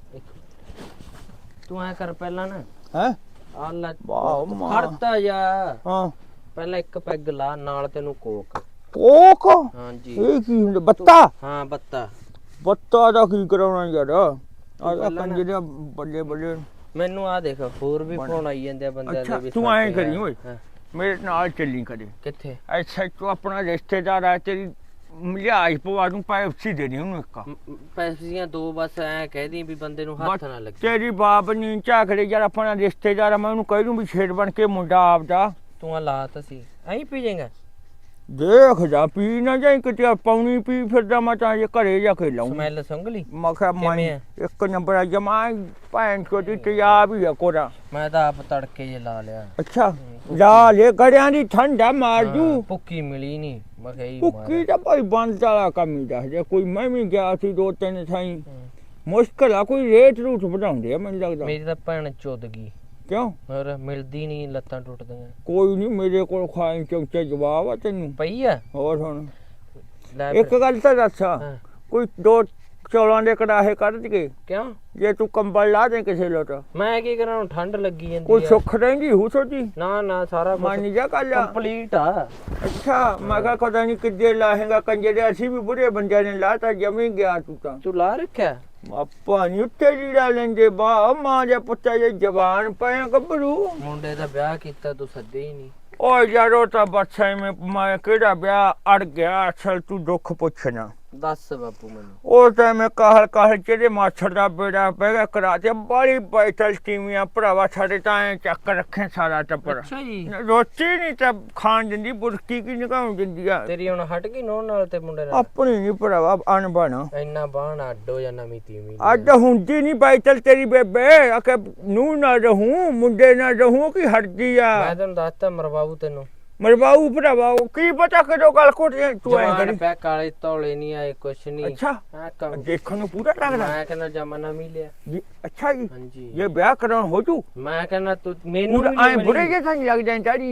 Speaker 4: ਇੱਕ- ਤੂੰ ਐ ਕਰ ਪਹਿਲਾਂ ਨਾ
Speaker 1: ਹੈ
Speaker 4: ਆ ਲੈ
Speaker 1: ਵਾਹ ਮਾਂ।
Speaker 4: ਖੜਤਾ ਜਾ।
Speaker 1: ਹਾਂ
Speaker 4: ਪਹਿਲਾਂ ਇੱਕ ਪੈਗ ਲਾ ਨਾਲ ਤੈਨੂੰ ਕੋਕ।
Speaker 1: ਕੋਕ
Speaker 4: ਹਾਂਜੀ
Speaker 1: ਇਹ ਕੀ ਹੁੰਦਾ ਬੱਤਾ?
Speaker 4: ਹਾਂ ਬੱਤਾ।
Speaker 1: ਬੱਤਾ ਦਾ ਕੀ ਕਰਾਉਣਾ ਯਾਰ? ਆ
Speaker 4: ਪਹਿਲਾਂ ਨਾ-
Speaker 1: ਕੰਜੇ ਦੇ ਬੱਲੇ ਬੱਲੇ।
Speaker 4: ਮੈਨੂੰ ਆ ਦੇਖ ਹੋਰ ਵੀ ਫੋਨ ਆਈ ਜਾਂਦੇ ਆ ਬੰਦਿਆਂ
Speaker 1: ਅੱਛਾ,
Speaker 4: ਦੇ ਵੀ।
Speaker 1: ਤੂੰ ਐਂ
Speaker 4: ਸਾਡੇ
Speaker 1: ਕਰੀ
Speaker 4: ਆ।
Speaker 1: ਓਏ।
Speaker 4: ਹਾਂ,
Speaker 1: ਮੇਰੇ ਨਾਲ ਚੱਲੀ ਕਦੇ।
Speaker 4: ਕਿੱਥੇ?
Speaker 1: ਅੱਛਾ ਤੂੰ ਆਪਣਾ ਰਿਸ਼ਤੇਦਾਰ ਆ ਤੇਰੀ ਲਿਆਜ ਪਵਾ ਦੂੰ ਪੈਪਸੀ ਦੇ ਦੀ ਉਹਨੂੰ ਇੱਕ।
Speaker 4: ਪੈਸੀਆਂ ਦੋ ਬਸ ਐ ਕਹਿਦੀ ਵੀ ਬੰਦੇ ਨੂੰ ਹੱਥ ਨਾ ਲੱਗੇ।
Speaker 1: ਤੇਰੀ ਬਾਪ ਨੀ ਝਾਕੜੇ ਯਾਰ ਆਪਣਾ ਰਿਸ਼ਤੇਦਾਰ ਆ। ਮੈਂ ਉਹਨੂੰ ਕਹਿ ਦੂੰ ਵੀ ਛੇੜ ਬਣ ਕੇ ਮੁੰਡਾ ਆਪਦਾ
Speaker 4: ਤੂੰ ਆ ਲਾਤ ਸੀ ਐਂ ਪੀ ਜਾਏਗਾ।
Speaker 1: ਦੇਖ ਜਾ ਪੀ ਨਾ ਜਾਈ ਕਿਤੇ ਪੌਣੀ ਪੀ ਫਿਰਦਾ ਮੈਂ ਤਾਂ ਜੇ ਘਰੇ ਜਾ ਕੇ ਲਾਉਂ।
Speaker 4: ਸਮੈਲ ਸੰਗਲੀ
Speaker 1: ਮੈਂ ਕਿਹਾ ਮੈਂ
Speaker 4: ਕਿਵੇਂ ਆ?
Speaker 1: ਇੱਕ ਨੰਬਰ ਆ ਜਮਾ ਭੈਣ ਚੋਦੀ ਤਿਆਬ ਹੀ ਆ ਕੋਰਾ।
Speaker 4: ਮੈਂ ਤਾਂ ਆਪ ਤੜਕੇ ਜੇ ਲਾ ਲਿਆ।
Speaker 1: ਅੱਛਾ ਲਾ ਲੈ ਗੜਿਆਂ ਦੀ ਠੰਡਾ ਮਾਰ
Speaker 4: ਹਾਂ,
Speaker 1: ਜੂ।
Speaker 4: ਭੁੱਕੀ ਮਿਲੀ ਨਹੀਂ ਮੈਂ ਕਿਹਾ ਹੀ
Speaker 1: ਭੁੱਕੀ ਤਾਂ ਭਾਈ ਬੰਦ ਵਾਲਾ ਕੰਮ ਹੀ ਦੱਸ ਜੇ। ਕੋਈ ਮੈਂ ਵੀ ਗਿਆ ਸੀ ਦੋ ਤਿੰਨ ਥਾਈਂ ਮੁਸ਼ਕਲ ਆ ਕੋਈ ਰੇਟ ਰੂਟ ਵਧਾਉਂਦੇ ਆ ਮੈਨੂੰ ਲੱਗਦਾ।
Speaker 4: ਮੇਰੀ ਤਾਂ ਭੈਣ ਚੁੱਦ ਗਈ।
Speaker 1: ਕਿਉਂ?
Speaker 4: ਹੋਰ ਮਿਲਦੀ ਨਹੀਂ ਲੱਤਾਂ ਟੁੱਟਦੀਆਂ।
Speaker 1: ਕੋਈ ਨਹੀਂ ਮੇਰੇ ਕੋਲ ਖਾਈ ਚੌਕੇ ਜਵਾਬ ਆ ਤੈਨੂੰ।
Speaker 4: ਪਈ ਆ
Speaker 1: ਹੋਰ ਹੁਣ
Speaker 4: ਲੈ
Speaker 1: ਇੱਕ
Speaker 4: ਫਿਰ।
Speaker 1: ਗੱਲ ਤਾਂ ਦੱਸ
Speaker 4: ਹਾਂ,
Speaker 1: ਕੋਈ ਦੋ ਚੌਲਾਂ ਦੇ ਕੜਾਹੇ ਕੱਢ ਕੇ
Speaker 4: ਕਿਉਂ?
Speaker 1: ਜੇ ਤੂੰ ਕੰਬਲ ਲਾ ਦੇ ਕਿਸੇ ਲੋਟ
Speaker 4: ਮੈਂ ਕੀ ਕਰਾਂ ਹੁਣ ਠੰਡ ਲੱਗੀ ਜਾਂਦੀ
Speaker 1: ਕੋਈ
Speaker 4: ਆ।
Speaker 1: ਸੁੱਖ ਰਹਿੰਦੀ ਹੂ ਸੋਚੀ
Speaker 4: ਨਾ ਨਾ ਸਾਰਾ
Speaker 1: ਮੰਨ ਜਾ ਕੱਲ।
Speaker 4: ਕੰਪਲੀਟ ਆ।
Speaker 1: ਅੱਛਾ ਮੈਂ ਕਿਹਾ ਪਤਾ ਨਹੀਂ ਕਿੱਦੇ ਲਾਹੇਗਾ ਕੰਜੇ ਦੇ। ਅਸੀਂ ਵੀ ਬੁੜੇ ਬੰਦਿਆਂ ਨੇ ਲਾਤਾ ਜਮੀ ਗਿਆ ਤੂੰ ਤਾਂ।
Speaker 4: ਤੂੰ ਲਾ ਰੱਖਿਆ?
Speaker 1: ਆਪਾਂ ਨੀ ਉੱਤੇ ਲੀੜਾ ਲੈਂਦੇ ਬਾ ਮਾਂ ਦੇ ਪੁੱਤਾਂ ਦੇ ਜਵਾਨ ਪਏ ਗੱਭਰੂ।
Speaker 4: ਮੁੰਡੇ ਦਾ ਵਿਆਹ ਕੀਤਾ ਤੂੰ ਸੱਦੇ ਹੀ ਨਹੀਂ।
Speaker 1: ਓ ਯਾਰੋ ਤਾਂ ਬੱਚਾ ਮੈਂ ਮੈਂ ਕਿਹੜਾ ਵਿਆਹ ਅੜ ਗਿਆ। ਅਸਲ ਤੂੰ ਦੁੱਖ ਪੁੱਛਣਾ।
Speaker 4: ਦੱਸ ਬਾਪੂ ਮੈਨੂੰ।
Speaker 1: ਉਹ ਤਾਂ ਮੈਂ ਕਾਹਲ ਕਾਹਲ ਜਿਹੜੇ ਮਾਛੜ ਦਾ ਬੇੜਾ ਪੈ ਗਿਆ ਕਰਾ ਤੇ ਬੜੀ ਬੈਠਲ ਟੀਵੀਆਂ ਭਰਾਵਾ ਸਾਡੇ ਤਾਂ ਐਂ ਚੱਕ ਰੱਖੇ ਸਾਰਾ ਟੱਬਰ।
Speaker 4: ਅੱਛਾ ਜੀ
Speaker 1: ਰੋਟੀ ਨਹੀਂ ਤਾਂ ਖਾਣ ਦਿੰਦੀ ਬੁਰਕੀ ਕੀ ਨਿਕਾਉਂ ਦਿੰਦੀ ਆ।
Speaker 4: ਤੇਰੀ ਹੁਣ ਹਟ ਗਈ ਨੋਹ ਨਾਲ ਤੇ ਮੁੰਡੇ ਨਾਲ?
Speaker 1: ਆਪਣੀ ਨਹੀਂ ਭਰਾਵਾ ਅਣਬਣ।
Speaker 4: ਇੰਨਾ ਬਾਣ ਅੱਡੋ ਜਾਂ ਨਵੀਂ ਤੀਵੀਂ।
Speaker 1: ਅੱਜ ਹੁੰਦੀ ਨਹੀਂ ਬੈਠਲ ਤੇਰੀ ਬੇਬੇ ਆਕੇ ਨੂੰ ਨਾ ਰਹੂੰ ਮੁੰਡੇ ਨਾ ਰਹੂੰ ਕੀ ਹਟਦੀ ਆ।
Speaker 4: ਮੈਂ ਤੈਨੂੰ ਦੱਸਤਾ ਮਰਵਾਉ ਤੈਨੂੰ।
Speaker 1: ਮਰਵਾਊ ਭਰਾਵਾ ਉਹ ਕੀ ਪਤਾ ਕਦੋਂ ਗੱਲ ਕੋਟੇ ਤੂੰ ਐਂ
Speaker 4: ਜਵਾਨ
Speaker 1: ਕਰੀ।
Speaker 4: ਪੈ ਕਾਲੇ ਧੌਲੇ ਨਹੀਂ ਆਏ ਕੁਛ ਨਹੀਂ।
Speaker 1: ਅੱਛਾ
Speaker 4: ਹਾਂ ਕੰਮ
Speaker 1: ਦੇਖਣ ਨੂੰ ਪੂਰਾ ਲੱਗਦਾ
Speaker 4: ਮੈਂ ਕਹਿੰਦਾ ਜਮਾਨਾ ਮਿਲਿਆ।
Speaker 1: ਜੀ। ਅੱਛਾ ਜੀ
Speaker 4: ਹਾਂਜੀ
Speaker 1: ਇਹ ਵਿਆਹ ਕਰਾਉਣ ਹੋ ਜੂ
Speaker 4: ਮੈਂ ਕਹਿੰਦਾ ਤੂੰ ਮੈਨੂੰ
Speaker 1: ਪੂਰਾ
Speaker 4: ਵੀ ਨੀ
Speaker 1: ਐ
Speaker 4: ਮਿਲੀ।
Speaker 1: ਬੁੜੇ ਜੇ ਤਾਂ ਲੱਗ ਜਾਂ ਚਾੜੀ ਜੀ।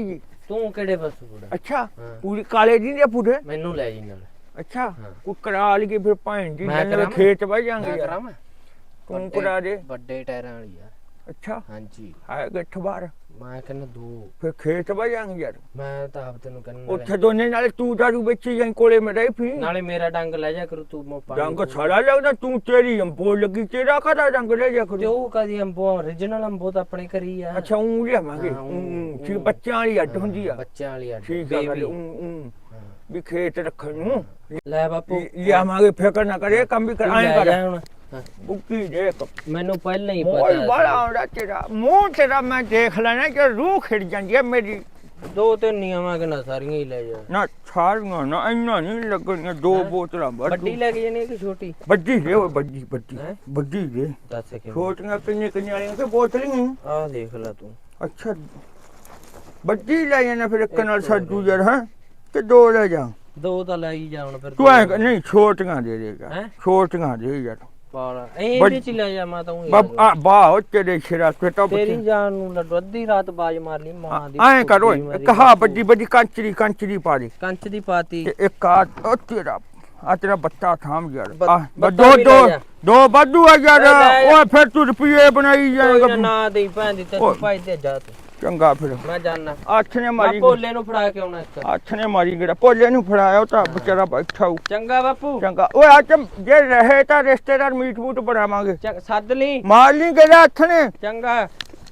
Speaker 4: ਤੂੰ ਕਿਹੜੇ ਪਾਸੋਂ ਬੁੜਾ
Speaker 1: ਅੱਛਾ
Speaker 4: ਹਾਂ।
Speaker 1: ਪੂਰੀ ਕਾਲੇ ਜੀ ਦੇ ਪੂਰੇ
Speaker 4: ਮੈਨੂੰ ਲੈ ਜੀ ਨਾਲ
Speaker 1: ਅੱਛਾ
Speaker 4: ਹਾਂ।
Speaker 1: ਕੋ ਕਰਾ ਲਈਏ ਫਿਰ ਭੈਣ ਜੀ
Speaker 4: ਮੈਂ
Speaker 1: ਨਾਲ
Speaker 4: ਕਰਾਵਾਂ?
Speaker 1: ਖੇਤ ਵਜ
Speaker 4: ਮੈਂ
Speaker 1: ਜਾਾਂਗੇ ਯਾਰ
Speaker 4: ਕਰਾਵਾਂ
Speaker 1: ਤੂੰ
Speaker 4: ਵੱਡੇ-
Speaker 1: ਕਰਾ ਦੇ
Speaker 4: ਵੱਡੇ ਟਾਇਰਾਂ ਵਾਲੀ ਆ
Speaker 1: ਅੱਛਾ
Speaker 4: ਹਾਂਜੀ
Speaker 1: ਹੈ ਗੱਠ ਬਾਰ
Speaker 4: ਮੈਂ ਕਹਿੰਦਾ ਦੋ
Speaker 1: ਫਿਰ ਖੇਤ ਵਜ ਜਾਾਂਗੇ ਯਾਰ
Speaker 4: ਮੈਂ ਤਾਂ ਆਪ ਤੈਨੂੰ ਕਹਿੰਦਾ
Speaker 1: ਉੱਥੇ ਦੋਨੇ ਨਾਲੇ ਤੂੰ ਦਾਰੂ ਵੇਚੀ ਜਾਂ ਕੋਲੇ ਮੈਂ ਰਹੀ ਫੀ
Speaker 4: ਨਾਲੇ ਮੇਰਾ ਡੰਗ ਲੈ ਜਾ ਕਰੂ ਤੂੰ ਮੋ ਪਾਣੀ
Speaker 1: ਰੰਗ ਸਾਰਾ ਲੱਗਦਾ ਤੂੰ ਤੇਰੀ ਅੰਬੋ ਲੱਗੀ ਤੇਰਾ ਕਦਾ ਰੰਗ ਲੈ ਜਾ
Speaker 4: ਤੇ
Speaker 1: ਕਰੂ
Speaker 4: ਉਹ ਕਦੀ ਅੰਬੋ origignal ਅੰਬੋ ਤਾਂ ਆਪਣੇ ਘਰੀ ਆ
Speaker 1: ਅੱਛਾ ਉਹ ਲਿਆਵਾਂਗੇ
Speaker 4: ਹਾਂ, ਊਂ,
Speaker 1: ਊਂ, ਠੀਕ
Speaker 4: ਊਂ।
Speaker 1: ਬੱਚਿਆਂ ਵਾਲੀ ਅੱਡ ਹੁੰਦੀ ਆ
Speaker 4: ਬੱਚਿਆਂ ਵਾਲੀ ਅੱਡ
Speaker 1: ਠੀਕ ਆ ਗੱਲ
Speaker 4: baby।
Speaker 1: ਊਂ, ਊਂ। ਵੀ ਖੇਤ ਰੱਖਣ ਨੂੰ
Speaker 4: ਲੈ ਬਾਪੂ
Speaker 1: ਲਿਆਵਾਂਗੇ ਫਿਕਰ ਨਾ ਕਰੇ ਕੰਮ ਵੀ ਕਰ
Speaker 4: ਤੂੰ
Speaker 1: ਐਂ
Speaker 4: ਲੈ
Speaker 1: ਕਰ
Speaker 4: ਜਾ ਹੁਣ ਹਾਂ।
Speaker 1: ਬੁੱਕੀ ਦੇ
Speaker 4: ਮੈਨੂੰ ਪਹਿਲਾਂ ਹੀ
Speaker 1: ਮੋਲ
Speaker 4: ਪਤਾ
Speaker 1: ਬੜਾ
Speaker 4: ਸੀ।
Speaker 1: ਆਉਂਦਾ ਤੇਰਾ ਮੂੰਹ ਤੇਰਾ ਮੈਂ ਦੇਖ ਲੈਣਾ ਕਿ ਰੂਹ ਖਿੜ ਜਾਂਦੀ ਹੈ ਮੇਰੀ
Speaker 4: ਦੋ ਤਿੰਨ ਨੀਆਵਾਂ ਕਿ ਨਾ ਸਾਰੀਆਂ ਹੀ ਲੈ ਜਾ
Speaker 1: ਨਾ ਸਾਰੀਆਂ ਨਾ ਇੰਨਾ ਨਹੀਂ ਲੱਗਣੀਆਂ ਦੋ ਬੋਤਲਾਂ
Speaker 4: ਵੱਡੀ ਲੈ ਕੇ ਜਾਣੀ ਕਿ ਛੋਟੀ
Speaker 1: ਵੱਡੀ ਦੇ ਓਏ ਵੱਡੀ ਵੱਡੀ
Speaker 4: ਹੈਂ?
Speaker 1: ਵੱਡੀ ਦੇ
Speaker 4: ਦੱਸ ਕਿਵੇਂ
Speaker 1: ਛੋਟੀਆਂ ਕਿੰਨੇ ਕਿੰਨੇ ਵਾਲੀਆਂ ਕਿ ਬੋਤਲੀਆਂ
Speaker 4: ਆਹ ਦੇਖ ਲੈ ਤੂੰ
Speaker 1: ਅੱਛਾ ਵੱਡੀ ਲੈ ਜਾਣਾ ਫਿਰ ਇੱਕ ਨਾਲ ਸਾਡੂ ਯਾਰ ਹੈ ਕਿ ਦੋ ਲੈ ਜਾ
Speaker 4: ਦੋ ਤਾਂ ਲੈ ਹੀ ਜਾ ਹੁਣ ਫਿਰ
Speaker 1: ਤੂੰ ਐ ਨਹੀਂ ਛੋਟੀਆਂ ਦੇ ਦੇਗਾ
Speaker 4: ਹੈਂ?
Speaker 1: ਛੋਟੀਆਂ ਦੇ ਯਾਰ
Speaker 4: ਪਾਲਾ ਇਹ
Speaker 1: ਵੱਡ-
Speaker 4: ਵਿੱਚ ਹੀ ਲੈ ਜਾ ਮੈਂ ਤਾਂ ਊਂ ਹੀ
Speaker 1: ਬਾ-
Speaker 4: ਲੈ ਜਾ।
Speaker 1: ਆ ਬਾਹ ਤੇਰੇ ਸ਼ਰਾ ਤੇ ਤਾਂ
Speaker 4: ਤੇਰੀ ਜਾਨ ਨੂੰ ਲੱਡੂ ਅੱਧੀ ਰਾਤ ਬਾਜ ਮਾਰ ਲਈ ਮਾਂ ਦੀ
Speaker 1: ਐ ਕਰ ਓਏ
Speaker 4: ਭੁੱਖੀ ਮਾਰੀ
Speaker 1: ਇੱਕ ਹਾਂ ਵੱਡੀ ਵੱਡੀ ਕੰਚਰੀ ਕੰਚਰੀ ਪਾ ਦੇ
Speaker 4: ਕੰਚ ਦੀ ਪਾਤੀ
Speaker 1: ਤੇ ਇੱਕ ਆ ਉਹ ਤੇਰਾ ਆ ਤੇਰਾ ਬੱਚਾ ਥਾਮ ਯਾਰ
Speaker 4: ਬ-
Speaker 1: ਆ
Speaker 4: ਬੱਚਾ
Speaker 1: ਦੋ
Speaker 4: ਵੀ
Speaker 1: ਦੋ
Speaker 4: ਲੈ ਜਾ।
Speaker 1: ਦੋ ਵਾਧੂ ਆ ਯਾਰ
Speaker 4: ਓਏ ਲੈ ਜਾ।
Speaker 1: ਓਏ ਫਿਰ ਤੂੰ ਰੁਪਏ ਬਣਾਈ
Speaker 4: ਕੋਈ ਨਾ
Speaker 1: ਜਾਏਗਾ
Speaker 4: ਨਾ ਦੇਈ ਭੈਣ ਦੀ ਤੈਨੂੰ
Speaker 1: ਓਏ।
Speaker 4: ਭਾਈ ਤੇ ਜਾ ਤੂੰ
Speaker 1: ਚੰਗਾ ਫਿਰ
Speaker 4: ਮੈਂ ਜਾਣਾ
Speaker 1: ਅੱਠ ਨੇ
Speaker 4: ਮੈਂ
Speaker 1: ਮਾਰੀ
Speaker 4: ਭੋਲੇ ਨੂੰ ਫੜਾ ਕੇ ਆਉਣਾ ਇੱਕ
Speaker 1: ਅੱਠ ਨੇ ਮਾਰੀ ਗੜਾ ਭੋਲੇ ਨੂੰ ਫੜਾਇਆ ਉਹ ਤਾਂ ਵਿਚਾਰਾ ਬੈਠਾ ਹੂ
Speaker 4: ਚੰਗਾ ਬਾਪੂ
Speaker 1: ਚੰਗਾ ਓਏ ਅੱਜ ਜੇ ਰਹੇ ਤਾਂ ਰਿਸ਼ਤੇਦਾਰ ਮੀਟ ਮੂਟ ਬਣਾਵਾਂਗੇ
Speaker 4: ਚੰਗ- ਸੱਦ ਲਈ
Speaker 1: ਮਾਰ ਲਈ ਗੜਾ ਅੱਠ ਨੇ
Speaker 4: ਚੰਗਾ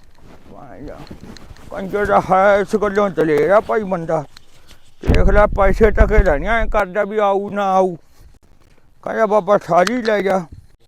Speaker 1: ਕੰਜਰ ਦਾ ਹੈ ਇਸ ਗੱਲੋਂ ਚਲੇਗਾ ਭਾਈ ਬੰਦਾ ਦੇਖ ਲੈ ਪੈਸੇ ਟਕੇ ਲੈਣੀਆਂ ਐ ਕਰਦਾ ਵੀ ਆਊ ਨਾ ਆਊ ਕਹਿੰਦਾ ਬਾਬਾ ਸਾਰੀ ਲੈ ਜਾ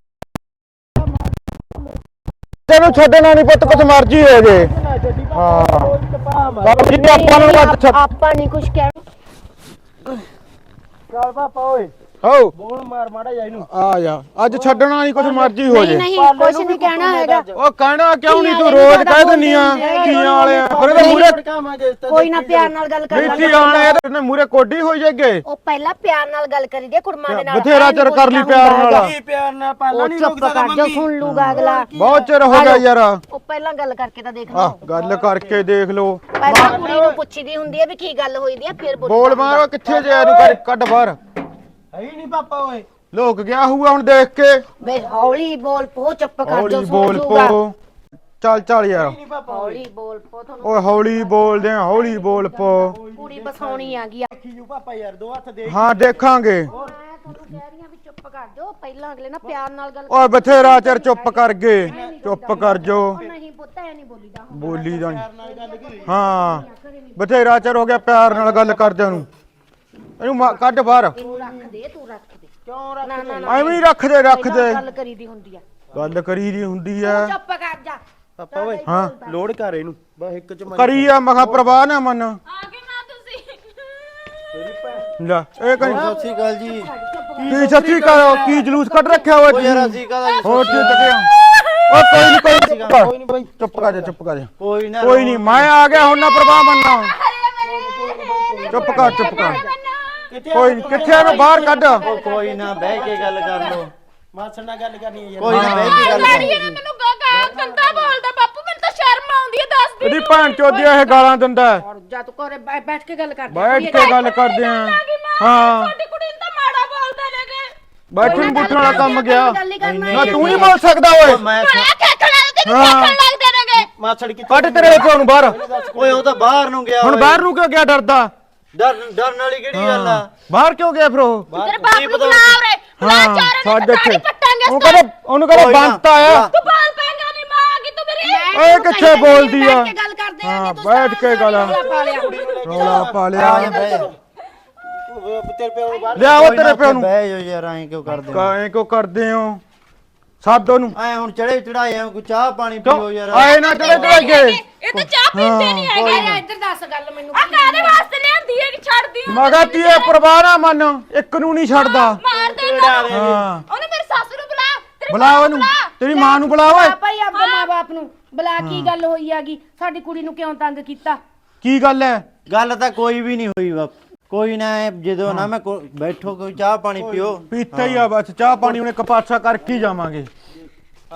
Speaker 1: ਤੈਨੂੰ ਛੱਡਣਾ ਨਹੀਂ ਪੁੱਤ ਕੁਛ ਮਰਜੀ ਹੋ ਜੇ ਹਾਂ ਬਾਬਾ ਜੀ ਆਪਾਂ ਨੂੰ ਵੱਧ ਛੱਡ
Speaker 5: ਆਪਾਂ ਨਹੀਂ ਕੁਝ ਕਹਿਣਾ
Speaker 2: ਚੱਲ ਪਾਪਾ ਓਏ
Speaker 1: ਹੋ
Speaker 2: ਬੋਲ ਮਾਰ ਮਾੜਾ ਜਾ ਇਹਨੂੰ
Speaker 1: ਆ ਜਾ ਅੱਜ ਛੱਡਣਾ ਨਹੀਂ ਕੁਛ ਮਰਜੀ ਹੋ
Speaker 5: ਨਹੀਂ
Speaker 1: ਜੇ
Speaker 5: ਨਹੀਂ ਕੁਝ ਨਹੀਂ ਕਹਿਣਾ ਹੈਗਾ
Speaker 1: ਉਹ ਕਹਿਣਾ ਕਿਉਂ ਨਹੀਂ ਤੂੰ ਰੋਜ਼ ਕਹਿ ਦਿੰਨੀ ਆ ਕੀਆਂ ਵਾਲੇ ਆ ਫਿਰ ਇਹਦੇ ਮੂਰੇ
Speaker 5: ਕੋਈ ਨਾ ਪਿਆਰ ਨਾਲ ਗੱਲ ਕਰ
Speaker 1: ਨੀਤੀ ਆਣੇ ਇਹਦੇ ਮੂਰੇ ਕੋਡੀ ਹੋਈ ਜਾਗੇ
Speaker 5: ਉਹ ਪਹਿਲਾਂ ਪਿਆਰ ਨਾਲ ਗੱਲ ਕਰੀ ਦੇ ਕੁੜਮਾਂ ਦੇ ਨਾਲ
Speaker 1: ਬਥੇਰਾ ਚਿਰ ਕਰ ਲਈ ਪਿਆਰ ਨਾਲ
Speaker 2: ਕੀ ਪਿਆਰ ਨਾਲ ਪਾਲਾ
Speaker 5: ਉਹ
Speaker 2: ਨਹੀਂ
Speaker 5: ਚੁੱਪ
Speaker 2: ਰੁਕਦਾ
Speaker 5: ਕਰ ਜਾ ਸੁਣ ਲੂਗਾ ਅਗਲਾ
Speaker 1: ਬਹੁਤ ਚਿਰ ਹੋ ਗਿਆ ਯਾਰ
Speaker 5: ਉਹ ਪਹਿਲਾਂ ਗੱਲ ਕਰਕੇ ਤਾਂ ਦੇਖ
Speaker 1: ਆ
Speaker 5: ਲਓ
Speaker 1: ਗੱਲ ਕਰਕੇ ਦੇਖ ਲੋ
Speaker 5: ਪਹਿਲਾਂ ਕੁੜੀ ਨੂੰ ਪੁੱਛੀਦੀ ਹੁੰਦੀ ਹੈ ਵੀ ਕੀ ਗੱਲ ਹੋਈ ਦੀ ਆ ਫਿਰ ਬੋਲੀ
Speaker 1: ਬੋਲ ਮਾਰੋ ਕਿੱਥੇ ਜੇ ਇਹਨੂੰ ਕਰ ਕੱਢ ਬਾਹਰ
Speaker 2: ਹੈ ਹੀ ਨਹੀਂ ਪਾਪਾ ਓਏ
Speaker 1: ਲੋਕ ਗਿਆ ਹੋਊਗਾ ਹੁਣ ਦੇਖ ਕੇ
Speaker 5: ਬੇ ਹੌਲੀ ਬੋਲ ਪੋ ਚੁੱਪ ਕਰ ਜਾ
Speaker 1: ਹੌਲੀ
Speaker 5: ਸੁਣ
Speaker 1: ਬੋਲ
Speaker 5: ਲੂਗਾ
Speaker 1: ਪੋ ਚੱਲ ਚੱਲ ਯਾਰ
Speaker 2: ਨਹੀਂ ਪਾਪਾ
Speaker 5: ਹੌਲੀ ਬੋਲ ਪੋ ਤੁਹਾਨੂੰ
Speaker 1: ਓਏ ਹੌਲੀ ਬੋਲਦੇ ਆ ਹੌਲੀ ਬੋਲ ਪੋ
Speaker 5: ਕੁੜੀ ਬਸਾਉਣੀ ਆ ਗਈ
Speaker 2: ਦੇਖੀ ਜੂ ਪਾਪਾ ਯਾਰ ਦੋ ਹੱਥ ਦੇ
Speaker 1: ਹਾਂ ਦੇਖਾਂਗੇ
Speaker 5: ਮੈਂ ਤੁਹਾਨੂੰ ਕਹਿ ਰਹੀ ਆ ਵੀ ਚੁੱਪ ਕਰ ਜਾਓ ਪਹਿਲਾਂ ਅਗਲੇ ਨਾਲ ਪਿਆਰ ਨਾਲ ਗੱਲ
Speaker 1: ਓਏ ਬਥੇਰਾ ਚਿਰ ਚੁੱਪ ਕਰ ਗਏ ਚੁੱਪ ਕਰ ਜੋ
Speaker 5: ਉਹ ਨਹੀਂ ਪੁੱਤ ਐ ਨਹੀਂ ਬੋਲੀਦਾ ਹੁੰਦਾ।
Speaker 1: ਬੋਲੀ ਦਾ ਨੀ। ਹਾਂ ਬਥੇਰਾ ਚਿਰ ਹੋ ਗਿਆ ਪਿਆਰ ਨਾਲ ਗੱਲ ਕਰਦਿਆਂ ਨੂੰ ਇਹਨੂੰ ਮਾ- ਕੱਢ ਬਾਹਰ
Speaker 5: ਇਹਨੂੰ ਰੱਖ ਦੇ ਤੂੰ ਰੱਖ ਦੇ
Speaker 2: ਕਿਉਂ ਰੱਖ
Speaker 5: ਨਾ ਨਾ ਨਾ
Speaker 1: ਐਵੇਂ ਹੀ ਰੱਖ ਦੇ ਰੱਖ
Speaker 5: ਪਹਿਲਾਂ
Speaker 1: ਦੇ
Speaker 5: ਗੱਲ ਕਰੀਦੀ ਹੁੰਦੀ ਆ
Speaker 1: ਗੱਲ ਕਰੀ ਦੀ ਹੁੰਦੀ
Speaker 5: ਤੂੰ
Speaker 1: ਐ
Speaker 5: ਚੁੱਪ ਕਰ ਜਾ
Speaker 2: ਪਾਪਾ ਓਏ
Speaker 1: ਹਾਂ
Speaker 2: ਲੋਡ ਕਰ ਇਹਨੂੰ ਬਸ ਇੱਕ ਚ ਮਾਰੀ
Speaker 1: ਕਰੀ ਆ ਮਖਾ ਪ੍ਰਵਾਹ ਨਾ ਮੰਨ
Speaker 3: ਆ ਗਏ ਮਾਂ ਤੁਸੀਂ
Speaker 1: ਲੈ ਇਹ ਕਹੀਂ
Speaker 2: ਸਤਿ ਸ਼੍ਰੀ ਅਕਾਲ ਜੀ
Speaker 1: ਕੀ ਸੱਚੀ ਕਰੋ ਕੀ ਜਲੂਸ ਕੱਢ ਰੱਖਿਆ ਹੋਇਆ
Speaker 2: ਓ ਯਾਰ
Speaker 1: ਤੁਸੀਂ
Speaker 2: ਅਸੀਂ ਕਾਹਦਾ
Speaker 1: ਹੋਰ ਕੀ ਤੱਕਿਆ ਓ ਕੋਈ ਨਹੀਂ ਕੋਈ ਨੀ, ਚੁੱਪ
Speaker 2: ਕੋਈ ਨਹੀਂ ਬਾਈ
Speaker 1: ਕਰ ਚੁੱਪ ਕਰ ਜਾ ਚੁੱਪ ਕਰ ਜਾ
Speaker 2: ਕੋਈ ਨਾ
Speaker 1: ਕੋਈ ਨਹੀਂ ਮੈਂ ਆ ਗਿਆ ਹੁਣ ਨਾ ਪ੍ਰਵਾਹ ਮੰਨਣਾ ਚੁੱਪ ਕਰ ਚੁੱਪ ਕਰ
Speaker 2: ਕਿੱਥੇ
Speaker 1: ਕੋਈ ਨੀ, ਕਿੱਥੇ ਇਹਨੂੰ ਬਾਹਰ ਕੱਢ
Speaker 2: ਓ ਕੋਈ ਨਾ ਬਹਿ ਕੇ ਗੱਲ ਕਰ ਲੋ ਮਾਸੜ ਨਾਲ ਗੱਲ ਕਰਨੀ ਹੈ ਯਾਰ ਕੋਈ ਨਾ
Speaker 1: ਹਾਂ।
Speaker 2: ਬਹਿ ਕੇ ਗੱਲ
Speaker 3: ਲੜੀ
Speaker 2: ਕਰ
Speaker 3: ਨਾ ਮੈਨੂੰ ਗਾ ਗੰਦਾ ਬੋਲਦਾ ਬਾਪੂ ਮੈਨੂੰ ਤਾਂ ਸ਼ਰਮ ਆਉਂਦੀ ਹੈ ਦੱਸ ਦੇ
Speaker 1: ਇਹਦੀ ਭੈਣ ਚੋਦੀ ਇਹ ਗਾਲਾਂ ਦਿੰਦਾ ਹੈ।
Speaker 5: ਔਰ ਜਾ ਤੂੰ ਘਰੇ ਬੈ- ਬੈਠ ਕੇ ਗੱਲ ਕਰ
Speaker 1: ਬੈਠ ਕੇ ਗੱਲ ਕਰਦੇ ਆ ਹਾਂ
Speaker 3: ਤੁਹਾਡੀ ਕੁੜੀ ਨੂੰ ਤਾਂ ਮਾੜਾ ਬੋਲਦੇ ਨੇਗੇ
Speaker 1: ਬੈਠਣ ਬੁੱਠਣ ਵਾਲਾ ਕੰਮ ਗਿਆ
Speaker 5: ਗੱਲ ਹੀ ਕਰਨਾ
Speaker 1: ਨਾ ਤੂੰ ਨਹੀਂ ਬੋਲ ਸਕਦਾ ਓਏ
Speaker 2: ਮੈਂ
Speaker 3: ਬੜਾ ਖੇਖਣਾ ਤੇ
Speaker 1: ਹਾਂ।
Speaker 3: ਖੇਖਣ ਲੱਗਦੇ ਨੇਗੇ
Speaker 2: ਮਾਸੜ ਕਿੱਥੇ
Speaker 1: ਕੱਢ ਤੇਰੇ ਪਿਓ ਨੂੰ ਬਾਹਰ
Speaker 2: ਓਏ ਉਹ ਤਾਂ ਬਾਹਰ ਨੂੰ ਗਿਆ
Speaker 1: ਹੁਣ
Speaker 2: ਓਏ।
Speaker 1: ਬਾਹਰ ਨੂੰ ਕਿਉਂ ਗਿਆ ਡਰਦਾ
Speaker 2: ਡਰ ਡਰਨ ਵਾਲੀ ਕਿਹੜੀ ਗੱਲ ਆ
Speaker 1: ਬਾਹਰ ਕਿਉਂ ਗਿਆ ਫਿਰ ਉਹ
Speaker 3: ਤੇਰੇ ਬਾਪ ਨੂੰ ਬੁਲਾ ਉਰੇ ਬੁਲਾ ਚਾਰੇ ਨੂੰ
Speaker 1: ਸਾਡੇ
Speaker 3: ਤਾੜੀ
Speaker 1: ਇੱਥੇ
Speaker 3: ਪੱਟਾਂਗੇ
Speaker 1: ਉਹ ਕਹਿੰਦਾ ਉਹਨੂੰ ਕਹਿੰਦਾ
Speaker 2: ਕੋਈ ਨਾ,
Speaker 1: ਬੰਤ ਆਇਆ
Speaker 2: ਬੁਲਾ।
Speaker 3: ਤੂੰ ਬਾਲ ਪੈਂਗਾ ਨਹੀਂ ਮਾਂ ਆ ਗਈ ਤੂੰ ਮੇਰੀ
Speaker 1: ਓਏ ਕਿੱਥੇ ਬੋਲਦੀ ਆ
Speaker 5: ਬੈਠ ਕੇ ਗੱਲ ਕਰਦੇ
Speaker 1: ਹਾਂ
Speaker 5: ਆਂ ਤੂੰ
Speaker 1: ਬੈਠ ਕੇ ਗੱਲ
Speaker 5: ਰੌਲਾ ਪਾ ਲਿਆ
Speaker 1: ਰੌਲਾ ਪਾ
Speaker 2: ਆ
Speaker 1: ਲਿਆ
Speaker 2: ਜਾ ਬਹਿ ਜਾ ਉਹ ਤੇਰੇ ਪਿਓ ਨੂੰ ਬਾਹਰ
Speaker 1: ਲਿਆਓ ਤੇਰੇ ਪਿਓ ਨੂੰ
Speaker 2: ਬਹਿ ਜਾ ਯਾਰ ਐਂ ਕਿਉਂ ਕਰਦੇ ਹੋ
Speaker 1: ਕਾਹੇ ਕੋ ਕਰਦੇ ਹੋ ਸਾਧ ਉਹਨੂੰ
Speaker 2: ਐ ਹੁਣ ਚੜੇ ਚੜਾਏ ਆ ਕੋਈ ਚਾਹ ਪਾਣੀ ਪੀਓ ਯਾਰ
Speaker 1: ਆਏ ਨਾ ਚੜੇ ਚੜਾਈਏ
Speaker 3: ਇਹ ਤਾਂ ਚਾਹ ਪੀਂਦੇ ਨਹੀਂ ਹੈਗੇ
Speaker 5: ਓਏ ਇੱਧਰ ਦੱਸ ਗੱਲ ਮੈਨੂੰ
Speaker 3: ਆ ਕਾਦੇ ਵਾਸਤੇ ਲਿਆਂਦੀ ਹੈ ਕਿ ਛੱਡਦੀ ਹਾਂ
Speaker 1: ਮਗਾ ਤੀਏ ਪਰਵਾਹ ਨਾ ਮੰਨ ਇੱਕ ਨੂੰ ਨਹੀਂ ਛੱਡਦਾ
Speaker 3: ਮਾਰ ਦੇ ਨਾ
Speaker 1: ਹਾਂ
Speaker 3: ਉਹਨੇ ਮੇਰੀ ਸੱਸ ਨੂੰ ਬੁਲਾ ਤੇਰੀ
Speaker 1: ਬੁਲਾ
Speaker 3: ਮਾਂ ਨੂੰ
Speaker 1: ਉਹਨੂੰ
Speaker 3: ਬੁਲਾ।
Speaker 1: ਤੇਰੀ ਮਾਂ ਨੂੰ ਬੁਲਾ ਓਏ
Speaker 5: ਭਾਈ ਆਪਦੇ ਮਾਂ-ਬਾਪ ਨੂੰ ਬੁਲਾ ਕੀ ਗੱਲ ਹੋਈ ਆਗੀ ਸਾਡੀ ਕੁੜੀ ਨੂੰ ਕਿਉਂ ਤੰਗ ਕੀਤਾ
Speaker 1: ਕੀ ਗੱਲ ਹੈ
Speaker 2: ਗੱਲ ਤਾਂ ਕੋਈ ਵੀ ਨਹੀਂ ਹੋਈ ਬਾਪ ਕੋਈ ਨਾ ਐਂ ਜਦੋਂ ਨਾ ਮੈਂ ਕੋ- ਬੈਠੋ ਕੋਈ ਚਾਹ ਪਾਣੀ ਪੀਓ
Speaker 1: ਪੀਤਾ ਹੀ ਆ ਬਸ ਚਾਹ ਪਾਣੀ ਉਹਨੇ ਕਪਾਸਾ ਕਰਕੇ ਹੀ ਜਾਵਾਂਗੇ ਬ-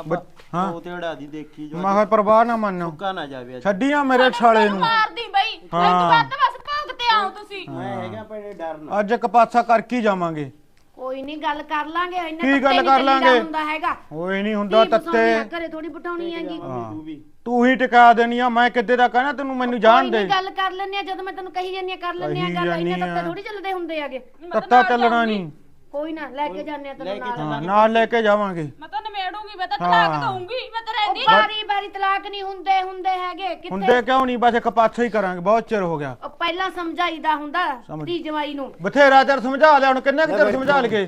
Speaker 2: ਹਾਂ
Speaker 6: ਉਹ ਤੇ ਉਡਾ ਦੀ ਦੇਖੀ ਜੋ
Speaker 2: ਮੈਂ ਕਿਹਾ ਪਰਵਾਹ ਨਾ ਮੰਨੋ
Speaker 6: ਸੁੱਕਾ ਨਾ ਜਾਵੇ ਅੱਜ।
Speaker 2: ਛੱਡੀਆਂ ਮੇਰੇ ਛਾਲੇ ਨੂੰ
Speaker 3: ਮਾਰਦੀ ਬਈ ਇਹ ਤੋਂ
Speaker 2: ਹਾਂ।
Speaker 3: ਬਾਅਦ ਤਾਂ ਬਸ ਭੌਂਕ ਤੇ ਆਓ ਤੁਸੀਂ
Speaker 6: ਮੈਂ ਹੈਗਾ ਭੈਣੇ ਡਰ ਨਾ
Speaker 2: ਅੱਜ ਇੱਕ ਪਾਸਾ ਕਰਕੇ ਹੀ ਜਾਵਾਂਗੇ।
Speaker 5: ਕੋਈ ਨਹੀਂ ਗੱਲ ਕਰ ਲਾਂਗੇ ਇੰਨਾ
Speaker 2: ਕੀ ਗੱਲ
Speaker 5: ਤੱਤੇ ਨੀ
Speaker 2: ਕਰ
Speaker 5: ਚੱਲੀਦਾ
Speaker 2: ਲਾਂਗੇ?
Speaker 5: ਹੁੰਦਾ ਹੈਗਾ
Speaker 2: ਓਏ ਨਹੀਂ ਹੁੰਦਾ
Speaker 5: ਧੀ ਵਸਾਉਣੀ ਆ,
Speaker 2: ਤੱਤੇ
Speaker 5: ਘਰੇ ਥੋੜੀ ਬਟਾਉਣੀ ਹੈਗੀ
Speaker 6: ਤੂੰ ਵੀ
Speaker 2: ਤੂੰ ਹੀ ਟਿਕਾ ਦੇਣੀ ਆ। ਮੈਂ ਕਿੱਦੇ ਦਾ ਕਹਿਣਾ ਤੈਨੂੰ ਮੈਨੂੰ ਜਾਣ
Speaker 5: ਕੋਈ
Speaker 2: ਦੇ।
Speaker 5: ਨੀ ਗੱਲ ਕਰ ਲੈਨੇ ਆ ਜਦੋਂ ਮੈਂ ਤੈਨੂੰ ਕਹੀ ਜਾਂਦੀ ਆ ਕਰ ਲੈਨੇ ਆ
Speaker 2: ਕਹੀ
Speaker 5: ਗੱਲ ਇੰਨਾ
Speaker 2: ਜਾਂਦੀ ਆ।
Speaker 5: ਤੱਤੇ ਥੋੜੀ ਚੱਲਦੇ ਹੁੰਦੇ ਹੈਗੇ
Speaker 2: ਤੱਤਾ ਚੱਲਣਾ ਨਹੀਂ।
Speaker 5: ਕੋਈ ਨਾ ਲੈ ਕੇ ਜਾਂਦੇ ਆ ਤੈਨੂੰ ਨਾਲ
Speaker 2: ਹਾਂ ਨਾਲ ਲੈ ਕੇ ਜਾਵਾਂਗੇ।
Speaker 3: ਮੈਂ ਤਾਂ ਨਿਮੇੜੂਗੀ ਮੈਂ ਤਾਂ ਤਲਾਕ ਦਊਂਗੀ ਮੈਂ ਤਾਂ
Speaker 5: ਉਹ
Speaker 3: ਰਹਿੰਦੀ
Speaker 5: ਬਾਰੀ ਬਾਰੀ ਤਲਾਕ ਨਹੀਂ ਹੁੰਦੇ ਹੁੰਦੇ ਹੈਗੇ ਕਿੱਥੇ
Speaker 2: ਹੁੰਦੇ ਕਿਉਂ ਨਹੀਂ ਬਸ ਇੱਕ ਪਾਸਾ ਹੀ ਕਰਾਂਗੇ। ਬਹੁਤ ਚਿਰ ਹੋ ਗਿਆ।
Speaker 5: ਉਹ ਪਹਿਲਾਂ ਸਮਝਾਈਦਾ ਹੁੰਦਾ
Speaker 2: ਸਮਝ।
Speaker 5: ਧੀ ਜਵਾਈ ਨੂੰ
Speaker 2: ਬਥੇਰਾ ਚਿਰ ਸਮਝਾ ਲਿਆ ਹੁਣ ਕਿੰਨਾ ਕੁ ਚਿਰ ਸਮਝਾ ਲਗੇ।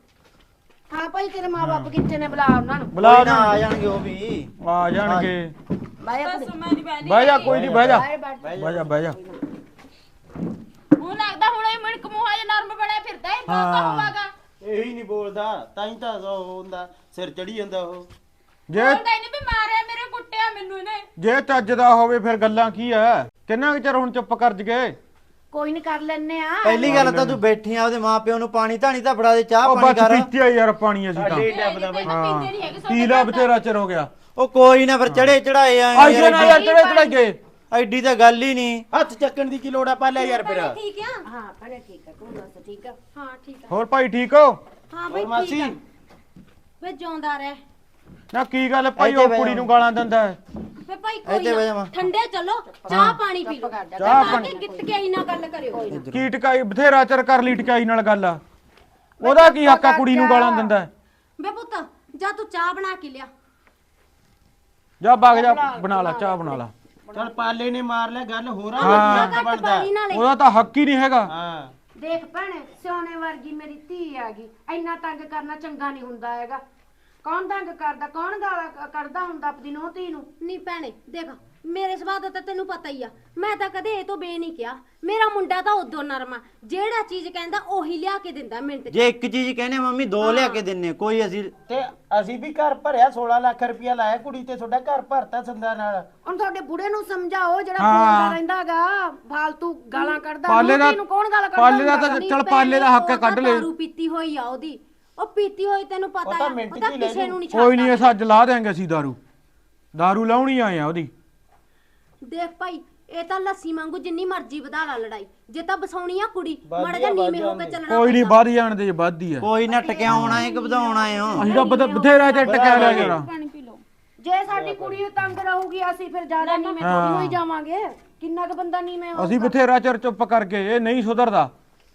Speaker 5: ਹਾਂ ਭਾਈ ਤੇਰੇ ਮਾਪੇ ਕਿੱਥੇ ਨੇ ਬੁਲਾ ਉਹਨਾਂ ਨੂੰ
Speaker 2: ਬੁਲਾ
Speaker 6: ਕੋਈ ਨਾ ਆ ਜਾਣਗੇ ਉਹ ਵੀ
Speaker 2: ਆ ਜਾਣਗੇ।
Speaker 5: ਬਾਈ
Speaker 3: ਬਸ ਮੈਂ ਨਹੀਂ ਬੈਣੀ
Speaker 2: ਬਹਿ ਜਾ ਕੋਈ ਨਹੀਂ ਬਹਿ ਜਾ
Speaker 5: ਬਾਈ ਬੈਠ
Speaker 2: ਬਹਿ ਜਾ ਬਹਿ ਜਾ।
Speaker 3: ਹੁਣ ਲੱਗਦਾ ਹੁਣ ਇਹ ਮਿਣਕ ਮੂੰਹਾ ਜਿਹਾ ਨਰਮ ਬਣਿਆ ਫਿਰਦਾ ਇਹ ਬਹੁਤ ਹੋਵਾਗਾ
Speaker 6: ਇਹੀ ਨਹੀਂ ਬੋਲਦਾ ਤਾਂ ਹੀ ਤਾਂ ਉਹ ਹੁੰਦਾ ਸਿਰ ਚੜੀ ਜਾਂਦਾ ਉਹ
Speaker 2: ਜੇ
Speaker 3: ਬੋਲਦਾ ਇਹਨੇ ਵੀ ਮਾਰਿਆ ਮੇਰੇ ਕੁੱਟਿਆ ਮੈਨੂੰ ਇਹਨੇ
Speaker 2: ਜੇ ਚੱਜ ਦਾ ਹੋਵੇ ਫਿਰ ਗੱਲਾਂ ਕੀ ਐ। ਕਿੰਨਾ ਕੁ ਚਿਰ ਹੁਣ ਚੁੱਪ ਕਰ ਜਗੇ।
Speaker 5: ਕੋਈ ਨਹੀਂ ਕਰ ਲੈਨੇ ਆ
Speaker 2: ਪਹਿਲੀ ਗੱਲ ਤਾਂ ਤੂੰ
Speaker 6: ਬੈਠੀ ਆ ਉਹਦੇ ਮਾਪਿਓ ਨੂੰ ਪਾਣੀ ਧਾਣੀ ਤਾਂ ਫੜਾ ਦੇ ਚਾਹ
Speaker 2: ਉਹ ਬਸ ਪੀਤੀ ਆ ਯਾਰ ਪਾਣੀ ਅਸੀਂ ਤਾਂ
Speaker 6: ਡੱਬਦਾ ਬਾਈ
Speaker 3: ਪੀਂਦੇ ਨਹੀਂ ਹੈਗੇ
Speaker 2: ਪੀ ਲਾ ਬਥੇਰਾ ਚਿਰ ਹੋ ਗਿਆ।
Speaker 6: ਉਹ ਕੋਈ ਨਾ ਫਿਰ ਚੜੇ ਚੜਾਏ ਆ
Speaker 2: ਆਈਏ ਨਾ ਯਾਰ ਚੜੇ ਚੜਾਈਏ।
Speaker 6: ਐਡੀ ਤਾਂ ਗੱਲ ਹੀ ਨਹੀਂ ਹੱਥ ਚੱਕਣ ਦੀ ਕੀ ਲੋੜ ਆ ਪਾ ਲੈ ਯਾਰ ਫਿਰ
Speaker 3: ਠੀਕ ਆ
Speaker 5: ਹਾਂ ਭਲੇ ਠੀਕ ਆ ਤੂੰ ਦੱਸ ਠੀਕ ਆ
Speaker 3: ਹਾਂ ਠੀਕ ਆ
Speaker 2: ਹੋਰ ਭਾਈ ਠੀਕ ਹੋ?
Speaker 3: ਹਾਂ ਬਈ
Speaker 6: ਹੋਰ ਮਾਸੀ
Speaker 3: ਵੇ ਜਿਉਂਦਾ ਰਹਿ
Speaker 2: ਨਾ ਕੀ ਗੱਲ ਭਾਈ ਉਹ ਕੁੜੀ ਨੂੰ ਗਾਲਾਂ ਦਿੰਦਾ ਹੈ?
Speaker 3: ਵੇ ਭਾਈ
Speaker 6: ਇੱਥੇ
Speaker 3: ਕੋਈ
Speaker 6: ਬਹਿ
Speaker 3: ਨਾ
Speaker 6: ਜਾ
Speaker 3: ਠੰਡੇ ਚੱਲੋ ਚਾਹ ਪਾਣੀ ਪੀ ਲਓ
Speaker 2: ਚਾਹ
Speaker 3: ਆ
Speaker 2: ਪਾਣੀ
Speaker 3: ਕੇ ਗਿੱਟ ਕੇ ਆਈ ਨਾ ਗੱਲ ਕਰਿਓ
Speaker 2: ਕੀ ਟਕਾਈ ਬਥੇਰਾ ਚਿਰ ਕਰ ਲਈ ਟਕਾਈ ਨਾਲ ਗੱਲ ਆ। ਉਹਦਾ ਕੀ ਹੱਕ ਆ ਕੁੜੀ ਨੂੰ ਗਾਲਾਂ ਦਿੰਦਾ ਹੈ?
Speaker 3: ਵੇ ਪੁੱਤ ਜਾ ਤੂੰ ਚਾਹ ਬਣਾ ਕੇ ਲਿਆ
Speaker 2: ਜਾ ਵਗ ਜਾ ਬਣਾ ਲਾ ਚਾਹ ਬਣਾ ਲਾ।
Speaker 6: ਚਲ ਪਾਲੇ ਨੇ ਮਾਰ ਲਿਆ ਗੱਲ ਹੋਰ ਆ
Speaker 2: ਹਾਂ।
Speaker 6: ਕੀ ਹੱਕ ਬਣਦਾ
Speaker 3: ਨਾਲੇ
Speaker 2: ਉਹਦਾ ਤਾਂ ਹੱਕ ਹੀ ਨਹੀਂ ਹੈਗਾ।
Speaker 6: ਹਾਂ
Speaker 5: ਦੇਖ ਭੈਣੇ ਸੋਨੇ ਵਰਗੀ ਮੇਰੀ ਧੀ ਆ ਗਈ ਇੰਨਾ ਤੰਗ ਕਰਨਾ ਚੰਗਾ ਨਹੀਂ ਹੁੰਦਾ ਹੈਗਾ ਕੌਣ ਤੰਗ ਕਰਦਾ ਕੌਣ ਗਾਲਾਂ ਕ- ਕੱਢਦਾ ਹੁੰਦਾ ਆਪਣੀ ਨੂੰਹ ਧੀ ਨੂੰ
Speaker 3: ਨਹੀਂ ਭੈਣੇ ਦੇਖ ਮੇਰੇ ਸੁਭਾਅ ਦਾ ਤਾਂ ਤੈਨੂੰ ਪਤਾ ਹੀ ਆ ਮੈਂ ਤਾਂ ਕਦੇ ਇਹ ਤੋਂ ਬੇ ਨਹੀਂ ਕਿਹਾ ਮੇਰਾ ਮੁੰਡਾ ਤਾਂ ਉਦੋਂ ਨਰਮਾ ਜਿਹੜਾ ਚੀਜ਼ ਕਹਿੰਦਾ ਉਹੀ ਲਿਆ ਕੇ ਦਿੰਦਾ ਮਿੰਟ ਚ
Speaker 6: ਜੇ ਇੱਕ ਚੀਜ਼ ਕਹਿੰਦੇ ਮੰਮੀ ਦੋ ਲਿਆ ਕੇ ਦਿੰਨੇ ਕੋਈ ਅਸੀਂ ਤੇ ਅਸੀਂ ਵੀ ਘਰ ਭਰਿਆ ਸੋਲਾਂ ਲੱਖ ਰੁਪਇਆ ਲਾਇਆ ਕੁੜੀ ਤੇ ਤੁਹਾਡਾ ਘਰ ਭਰਤਾ ਸੰਦਾ ਨਾਲ
Speaker 5: ਹੁਣ ਤੁਹਾਡੇ ਬੁੜੇ ਨੂੰ ਸਮਝਾਓ ਜਿਹੜਾ ਬੋਲਦਾ ਰਹਿੰਦਾਗਾ ਫਾਲਤੂ ਗਾਲਾਂ ਕੱਢਦਾ
Speaker 2: ਪਾਲੇ
Speaker 5: ਨੂੰਹ
Speaker 2: ਦਾ
Speaker 5: ਧੀ ਨੂੰ ਕੌਣ ਗਾਲਾਂ ਕੱਢਦਾ
Speaker 2: ਪਾਲੇ ਦਾ
Speaker 5: ਹੁੰਦਾ
Speaker 2: ਤਾਂ
Speaker 5: ਗਾ?
Speaker 2: ਚਲ ਪਾਲੇ ਦਾ ਹੱਕ ਹੈ, ਕੱਢ ਲੈ।
Speaker 3: ਦਾਰੂ ਪੀਤੀ ਹੋਈ ਆ ਉਹਦੀ ਉਹ ਪੀਤੀ ਹੋਈ ਤੈਨੂੰ ਪਤਾ
Speaker 6: ਤਾਂ
Speaker 3: ਆ
Speaker 6: ਮਿੰਟ
Speaker 3: ਉਹਦਾ
Speaker 6: ਚ ਹੀ ਲੈ
Speaker 3: ਕਿਸੇ ਨੂੰ ਨਹੀਂ
Speaker 2: ਕੋਈ ਨਹੀਂ
Speaker 3: ਛੱਡਦਾ
Speaker 2: ਅਸਾਂ ਲਾ ਦੇਾਂਗੇ ਅਸੀਂ ਦਾਰੂ ਦਾਰੂ ਲਾਉਣੀ ਆਏ ਆ ਉਹਦੀ।
Speaker 3: ਦੇਖ ਭਾਈ ਇਹ ਤਾਂ ਲੱਸੀ ਵਾਂਗੂ ਜਿੰਨੀ ਮਰਜ਼ੀ ਵਧਾ ਲਾ ਲੜਾਈ ਜੇ ਤਾਂ ਬਸਾਉਣੀ ਆ ਕੁੜੀ ਮਾੜਾ ਜਿਹਾ ਨੀਵੇਂ ਹੋ ਕੇ ਚੱਲਣਾ
Speaker 2: ਕੋਈ ਨਹੀਂ ਵੱਧ ਜਾਣ ਦੇ ਜੇ ਵੱਧਦੀ ਹੈ।
Speaker 6: ਕੋਈ ਨਾ ਟਕਿਆਉਣਾ ਹੈ ਕਿ ਵਧਾਉਣਾ ਹੈ
Speaker 2: ਅਸੀਂ ਤਾਂ ਬਥ- ਬਥੇਰਾ ਚਿਰ ਟਕਿਆ ਲਿਆ ਜਰਾ।
Speaker 3: ਪਾਣੀ ਪੀ ਲਓ
Speaker 5: ਜੇ ਸਾਡੀ ਕੁੜੀ ਤੰਗ ਰਹੂਗੀ ਅਸੀਂ ਫਿਰ ਜ਼ਿਆਦਾ ਨੀਵੇਂ ਥੋੜੀ ਹੋਈ ਜਾਵਾਂਗੇ ਕਿੰਨਾ ਕੁ ਬੰਦਾ ਨੀਵੇਂ ਹੋ
Speaker 2: ਅਸੀਂ ਬਥੇਰਾ ਚਿਰ ਚੁੱਪ ਕਰ ਗਏ ਇਹ ਨਹੀਂ ਸੁਧਰਦਾ।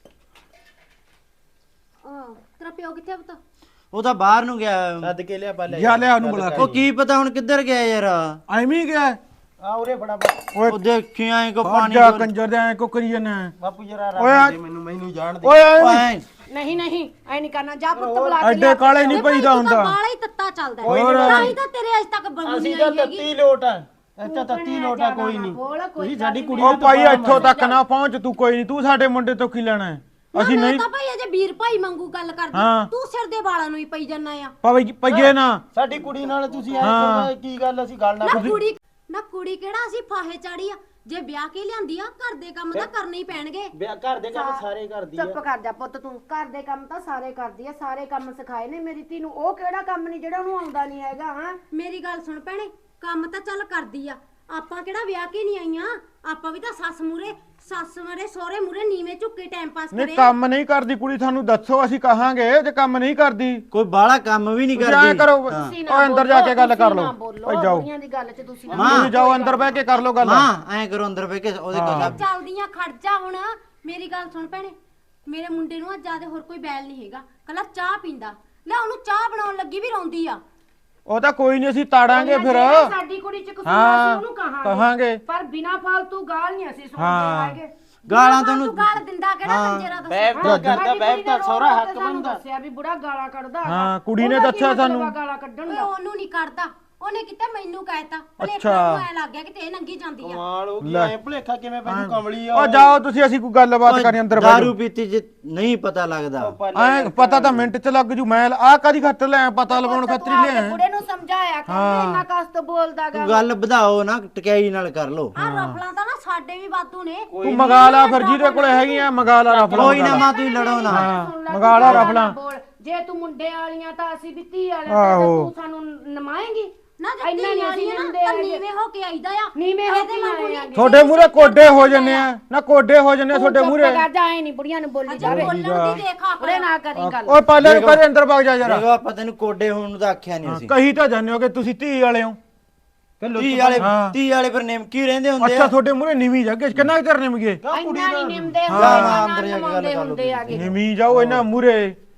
Speaker 3: ਆਹ, ਤੇਰਾ ਪਿਓ ਕਿੱਥੇ ਪੁੱਤ
Speaker 6: ਉਹ ਤਾਂ ਬਾਹਰ ਨੂੰ ਗਿਆ ਸੱਦ ਕੇ ਲਿਆ ਪਾ
Speaker 2: ਜਾ ਲਿਆ ਉਹਨੂੰ ਬੁਲਾ
Speaker 6: ਉਹ
Speaker 2: ਕੇ।
Speaker 6: ਕੀ ਪਤਾ ਹੁਣ ਕਿੱਧਰ ਗਿਆ ਯਾਰ
Speaker 2: ਐਵੇਂ ਹੀ ਗਿਆ
Speaker 6: ਆ ਉਰੇ ਫੜਾ
Speaker 2: ਓਏ
Speaker 6: ਉਹ ਦੇਖੀ ਐ ਕੋ
Speaker 2: ਖੜ
Speaker 6: ਪਾਣੀ
Speaker 2: ਜਾ ਕੰਜਰ ਦੇ ਐ ਕੁਕਰੀ ਜਨਾ।
Speaker 6: ਬਾਪੂ ਜਰਾ
Speaker 2: ਓਏ ਆ-
Speaker 6: ਰੱਖ ਦੇ ਮੈਨੂੰ ਮੈਨੂੰ ਜਾਣ ਦੇ
Speaker 2: ਓਏ ਐਵੇਂ
Speaker 6: ਓਏ
Speaker 5: ਨਹੀਂ ਨਹੀਂ ਐ ਨਹੀਂ ਕਰਨਾ ਜਾ ਪੁੱਤ ਬੁਲਾ ਕੇ
Speaker 2: ਐਡੇ ਕਾਲੇ ਨਹੀਂ ਪਈਦਾ
Speaker 3: ਤਾਂ
Speaker 2: ਹੁੰਦਾ।
Speaker 3: ਬਾਲਾ ਹੀ ਤੱਤਾ ਚੱਲਦਾ ਹੈ।
Speaker 2: ਹੋਰ।
Speaker 3: ਤਾਂ ਹੀ ਤਾਂ ਤੇਰੇ ਅਜ ਤੱਕ ਬਹੂ ਨਹੀਂ
Speaker 6: ਅਸੀਂ ਤਾਂ
Speaker 3: ਆਈ ਹੈਗੀ
Speaker 6: ਤੱਤੀ ਲੋਟ ਆ ਅੱਛਾ ਤੱਤੀ ਲੋਟ ਆ ਕੋਈ ਨਹੀਂ ਤੁਸੀਂ ਸਾਡੀ ਕੁੜੀ
Speaker 2: ਉਹ ਭਾਈ ਇੱਥੋਂ ਤੱਕ ਨਾ ਪਹੁੰਚ ਤੂੰ ਕੋਈ ਨਹੀਂ ਤੂੰ ਸਾਡੇ ਮੁੰਡੇ ਤੋਂ ਕੀ ਲੈਣਾ ਹੈ? ਅਸੀਂ
Speaker 3: ਮੈਂ
Speaker 2: ਨਹੀਂ
Speaker 3: ਤਾਂ ਭਾਈ ਅਜੇ ਵੀਰ ਭਾਈ ਮੰਗੂ ਗੱਲ
Speaker 2: ਹਾਂ।
Speaker 3: ਕਰਦੀ ਤੂੰ ਸਿਰ ਦੇ ਵਾਲਾਂ ਨੂੰ ਹੀ ਪਈ ਜੰਨਾ ਆ
Speaker 2: ਪਈ ਪਈਏ ਨਾ।
Speaker 6: ਸਾਡੀ ਕੁੜੀ ਨਾਲ ਤੁਸੀਂ ਐ
Speaker 2: ਹਾਂ।
Speaker 6: ਕਰੋ ਕੀ ਗੱਲ ਅਸੀਂ ਗੱਲ ਨਾ
Speaker 3: ਨਾ ਕੁੜੀ ਨਾ ਕੁੜੀ ਕਿਹੜਾ ਅਸੀਂ ਫਾਹੇ ਚਾੜੀ ਆ ਜੇ ਵਿਆਹ ਕੇ ਲਿਆਂਦੀ ਆ ਘਰ ਦੇ ਕੰਮ ਤਾਂ ਕਰਨੇ ਹੀ ਪੈਣਗੇ
Speaker 6: ਵਿਆਹ ਘਰ ਦੇ ਕੰਮ ਸਾਰੇ ਕਰਦੀ ਆ
Speaker 5: ਚੁੱਪ ਕਰ ਜਾ ਪੁੱਤ ਤੂੰ ਘਰ ਦੇ ਕੰਮ ਤਾਂ ਸਾਰੇ ਕਰਦੀ ਆ ਸਾਰੇ ਕੰਮ ਸਿਖਾਏ ਨੇ ਮੇਰੀ ਧੀ ਨੂੰ ਉਹ ਕਿਹੜਾ ਕੰਮ ਨਹੀਂ ਜਿਹੜਾ ਉਹਨੂੰ ਆਉਂਦਾ ਨਹੀਂ ਹੈਗਾ ਹਾਂ
Speaker 3: ਮੇਰੀ ਗੱਲ ਸੁਣ ਭੈਣੇ ਕੰਮ ਤਾਂ ਚੱਲ ਕਰਦੀ ਆ ਆਪਾਂ ਕਿਹੜਾ ਵਿਆਹ ਕੇ ਨਹੀਂ ਆਈਆਂ ਆਪਾਂ ਵੀ ਤਾਂ ਸੱਸ ਮੂਰੇ ਸੱਸ ਮਰੇ ਸਹੁਰੇ ਮੂਰੇ ਨੀਵੇਂ ਝੁੱਕੇ ਟਾਈਮ ਪਾਸ
Speaker 2: ਨਹੀਂ
Speaker 3: ਕਰੇ
Speaker 2: ਕੰਮ ਨਹੀਂ ਕਰਦੀ ਕੁੜੀ ਤੁਹਾਨੂੰ ਦੱਸੋ ਅਸੀਂ ਕਹਾਂਗੇ ਜੇ ਕੰਮ ਨਹੀਂ ਕਰਦੀ।
Speaker 6: ਕੋਈ ਬਾਹਲਾ ਕੰਮ ਵੀ ਨਹੀਂ
Speaker 2: ਤੁਸੀਂ ਐਂ
Speaker 6: ਕਰਦੀ
Speaker 2: ਕਰੋ
Speaker 5: ਤੁਸੀਂ
Speaker 2: ਉਹ ਅੰਦਰ ਜਾ ਕੇ ਗੱਲ ਕਰ
Speaker 5: ਤੁਸੀਂ ਨਾ
Speaker 2: ਲਓ।
Speaker 5: ਬੋਲੋ,
Speaker 2: ਓਏ ਜਾਓ
Speaker 5: ਬੁੜੀਆਂ ਦੀ ਗੱਲ 'ਚ ਤੁਸੀਂ ਨਾ
Speaker 2: ਤੁਸੀਂ ਜਾਓ ਅੰਦਰ ਬਹਿ ਕੇ ਕਰ ਲਓ ਗੱਲ।
Speaker 6: ਮਾਂ ਐ ਕਰੋ ਅੰਦਰ ਬਹਿ ਕੇ ਉਹਦੇ ਕੋਲ
Speaker 3: ਚੱਲਦੀਆਂ ਖੜ ਜਾ ਹੁਣ ਮੇਰੀ ਗੱਲ ਸੁਣ ਭੈਣੇ ਮੇਰੇ ਮੁੰਡੇ ਨੂੰ ਅੱਜ ਜਿਆਦਾ ਹੋਰ ਕੋਈ ਬੈਲ ਨਹੀਂ ਹੈਗਾ ਕੱਲਾ ਚਾਹ ਪੀਂਦਾ ਲੈ ਉਹਨੂੰ ਚਾਹ ਬਣਾਉਣ ਲੱਗੀ ਵੀ ਰੋਂਦੀ ਆ
Speaker 2: ਉਹ ਤਾਂ ਕੋਈ ਨਹੀਂ ਅਸੀਂ ਤਾੜਾਂਗੇ ਫਿਰ।
Speaker 5: ਜਿਹੜਾ ਸਾਡੀ ਕੁੜੀ 'ਚ ਕਸੂਰ
Speaker 2: ਹਾਂ,
Speaker 5: ਅਸੀਂ ਉਹਨੂੰ ਕਹਾਂਗੇ
Speaker 2: ਕਹਾਂਗੇ।
Speaker 5: ਪਰ ਬਿਨਾ ਫਾਲਤੂ ਗਾਲ ਨਹੀਂ ਅਸੀਂ
Speaker 2: ਹਾਂ।
Speaker 5: ਸੁਣਦੇ ਹੈਗੇ
Speaker 6: ਗਾਲਾਂ
Speaker 3: ਤੂੰ
Speaker 6: ਤੁਹਾਨੂੰ
Speaker 3: ਗਾਲ ਦਿੰਦਾ ਕਿਹੜਾ ਕੰਜਰਾ
Speaker 6: ਬੈਬ
Speaker 3: ਦੱਸ
Speaker 6: ਤਾਂ ਕਰਦਾ ਬੈਬ ਤਾਂ ਸਹੁਰਾ ਹੱਕ
Speaker 5: ਸਾਨੂੰ
Speaker 6: ਬਣਦਾ
Speaker 5: ਦੱਸਿਆ ਵੀ ਬੁੜਾ ਗਾਲਾਂ ਕੱਢਦਾ ਹੈਗਾ।
Speaker 2: ਹਾਂ, ਕੁੜੀ ਨੇ
Speaker 5: ਉਹਦਾ ਕੀ
Speaker 2: ਦੱਸਿਆ
Speaker 5: ਮਤਲਬ ਆ
Speaker 2: ਸਾਨੂੰ।
Speaker 5: ਗਾਲਾਂ ਕੱਢਣ
Speaker 3: ਓਏ
Speaker 5: ਦਾ
Speaker 3: ਉਹਨੂੰ ਨਹੀਂ ਕਰਦਾ ਉਹਨੇ ਕਿਤੇ ਮੈਨੂੰ ਕਹਿਤਾ ਭਲੇਖਾ
Speaker 2: ਅੱਛਾ।
Speaker 3: ਨੂੰ ਐ ਲੱਗ ਗਿਆ ਕਿ ਤੇ ਇਹ ਨੰਗੀ ਜਾਂਦੀ ਆ
Speaker 6: ਕਮਾਲ ਹੋ ਗਈ ਐ ਭੁਲੇਖਾ ਕਿਵੇਂ ਪੈਨੂੰ ਕਮਲੀ ਆ
Speaker 2: ਉਹ ਜਾਓ ਤੁਸੀਂ ਅਸੀਂ ਕੋਈ ਗੱਲਬਾਤ ਕਰਨੀ ਅੰਦਰ ਬੈਠੋ।
Speaker 6: ਦਾਰੂ ਪੀਤੀ ਜੇ ਨਹੀਂ ਪਤਾ ਲੱਗਦਾ
Speaker 2: ਐ ਪਤਾ ਤਾਂ ਮਿੰਟ ਚ ਲੱਗ ਜੂ। ਮੈਂ ਆ ਕਾਦੀ ਖਾਤਰ ਲਿਆ ਪਤਾ ਲਵਾਉਣ ਖਾਤਰ ਹੀ ਲਿਆ।
Speaker 5: ਬੁੜੇ ਨੂੰ ਸਮਝਾਇਆ ਕਰ ਇੰਨਾ ਕਸਤ ਬੋਲਦਾਗਾ
Speaker 6: ਤੂੰ ਗੱਲ ਵਧਾਓ ਨਾ ਟਕਿਆਈ ਨਾਲ ਕਰ ਲੋ
Speaker 3: ਆ ਰਫਲਾਂ ਤਾਂ ਨਾ ਸਾਡੇ ਵੀ ਵਾਧੂ ਨੇ
Speaker 2: ਤੂੰ ਮੰਗਾ ਲਾ ਫਿਰ ਜਿਹਦੇ ਕੋਲੇ ਹੈਗੀਆਂ ਮੰਗਾ ਲਾ ਰਫਲਾਂ।
Speaker 6: ਕੋਈ ਨਾ ਮਾਂ ਤੁਸੀਂ ਲੜੋ ਨਾ
Speaker 2: ਮੰਗਾ ਲਾ ਰਫਲਾਂ।
Speaker 5: ਬੋਲ ਜੇ ਤੂੰ ਮੁੰਡੇ ਵਾਲੀਆਂ ਤਾਂ ਅਸੀਂ ਵੀ ਧੀ ਵਾਲੀਆਂ ਤੇ ਤੂੰ ਸਾਨੂੰ ਨਮਾਏਂਗੀ
Speaker 7: ਨਾ
Speaker 5: ਇੰਨਾ
Speaker 7: ਜੱਤੀ
Speaker 5: ਨਹੀਂ
Speaker 7: ਆਣੀ
Speaker 5: ਅਸੀਂ
Speaker 7: ਹੈ
Speaker 5: ਲੈਂਦੇ
Speaker 7: ਨਾ
Speaker 5: ਹੈਗੇ।
Speaker 7: ਨੀਵੇਂ ਹੋ ਕੇ ਆਈਦਾ ਆ
Speaker 5: ਨੀਵੇਂ ਹੋ
Speaker 7: ਇਹਦੇ
Speaker 5: ਕੇ
Speaker 7: ਵਾਂਗੂ
Speaker 5: ਆਏ
Speaker 7: ਨਹੀਂ।
Speaker 5: ਹੈਗੇ।
Speaker 2: ਤੁਹਾਡੇ ਮੂਰੇ ਕੋਡੇ ਹੋ ਜੰਨੇ ਆ ਨਾ ਕੋਡੇ ਹੋ ਜੰਨੇ ਤੁਹਾਡੇ
Speaker 5: ਤੂੰ
Speaker 2: ਮੂਰੇ
Speaker 5: ਚੁੱਪ ਕਰ ਜਾ, ਐ ਨਹੀਂ ਬੁੜੀਆਂ ਨੂੰ ਬੋਲੀ
Speaker 7: ਅੱਛਾ
Speaker 5: ਜਾਵੇ
Speaker 7: ਬੋਲਣ ਦੀ ਦੇਖ
Speaker 5: ਉਹਦੇ
Speaker 7: ਆਖਣਾ
Speaker 5: ਨਾ ਕਰੀ ਗੱਲ।
Speaker 2: ਓਏ ਪਾਲੇ ਨੂੰ ਕਦੇ ਅੰਦਰ ਵਗ ਜਾ ਯਾਰ
Speaker 6: ਦੇਖੋ ਆਪਾਂ ਤੈਨੂੰ ਕੋਡੇ ਹੋਣ ਨੂੰ ਤਾਂ ਆਖਿਆ ਨਹੀਂ ਅਸੀਂ
Speaker 2: ਕਹੀ ਤਾਂ ਜਾਣਿਓ ਕਿ ਤੁਸੀਂ ਧੀ ਵਾਲੇ ਹੋ
Speaker 6: ਧੀ ਵਾਲੇ
Speaker 2: ਹਾਂ।
Speaker 6: ਧੀ ਵਾਲੇ ਫਿਰ ਨਿਮਕੀ ਰਹਿੰਦੇ ਹੁੰਦੇ
Speaker 2: ਅੱਛਾ
Speaker 6: ਆ
Speaker 2: ਤੁਹਾਡੇ ਮੂਰੇ ਨਿਵੀਂ ਜਾ ਕਿੰਨਾ ਚਿਰ ਨਿਮਗੇ
Speaker 5: ਇੰਨਾ ਨਹੀਂ ਨਿਮਦੇ
Speaker 6: ਹਾਂ,
Speaker 5: ਹੁੰਦੇ
Speaker 6: ਅੰਦਰ ਜਾ ਕੇ ਗੱਲ ਕਰ ਲਓ
Speaker 5: ਹੁੰਦੇ ਆਗੇ
Speaker 2: ਨਿਵੀਂ ਜਾਓ ਇਹਨਾਂ ਮੂਰੇ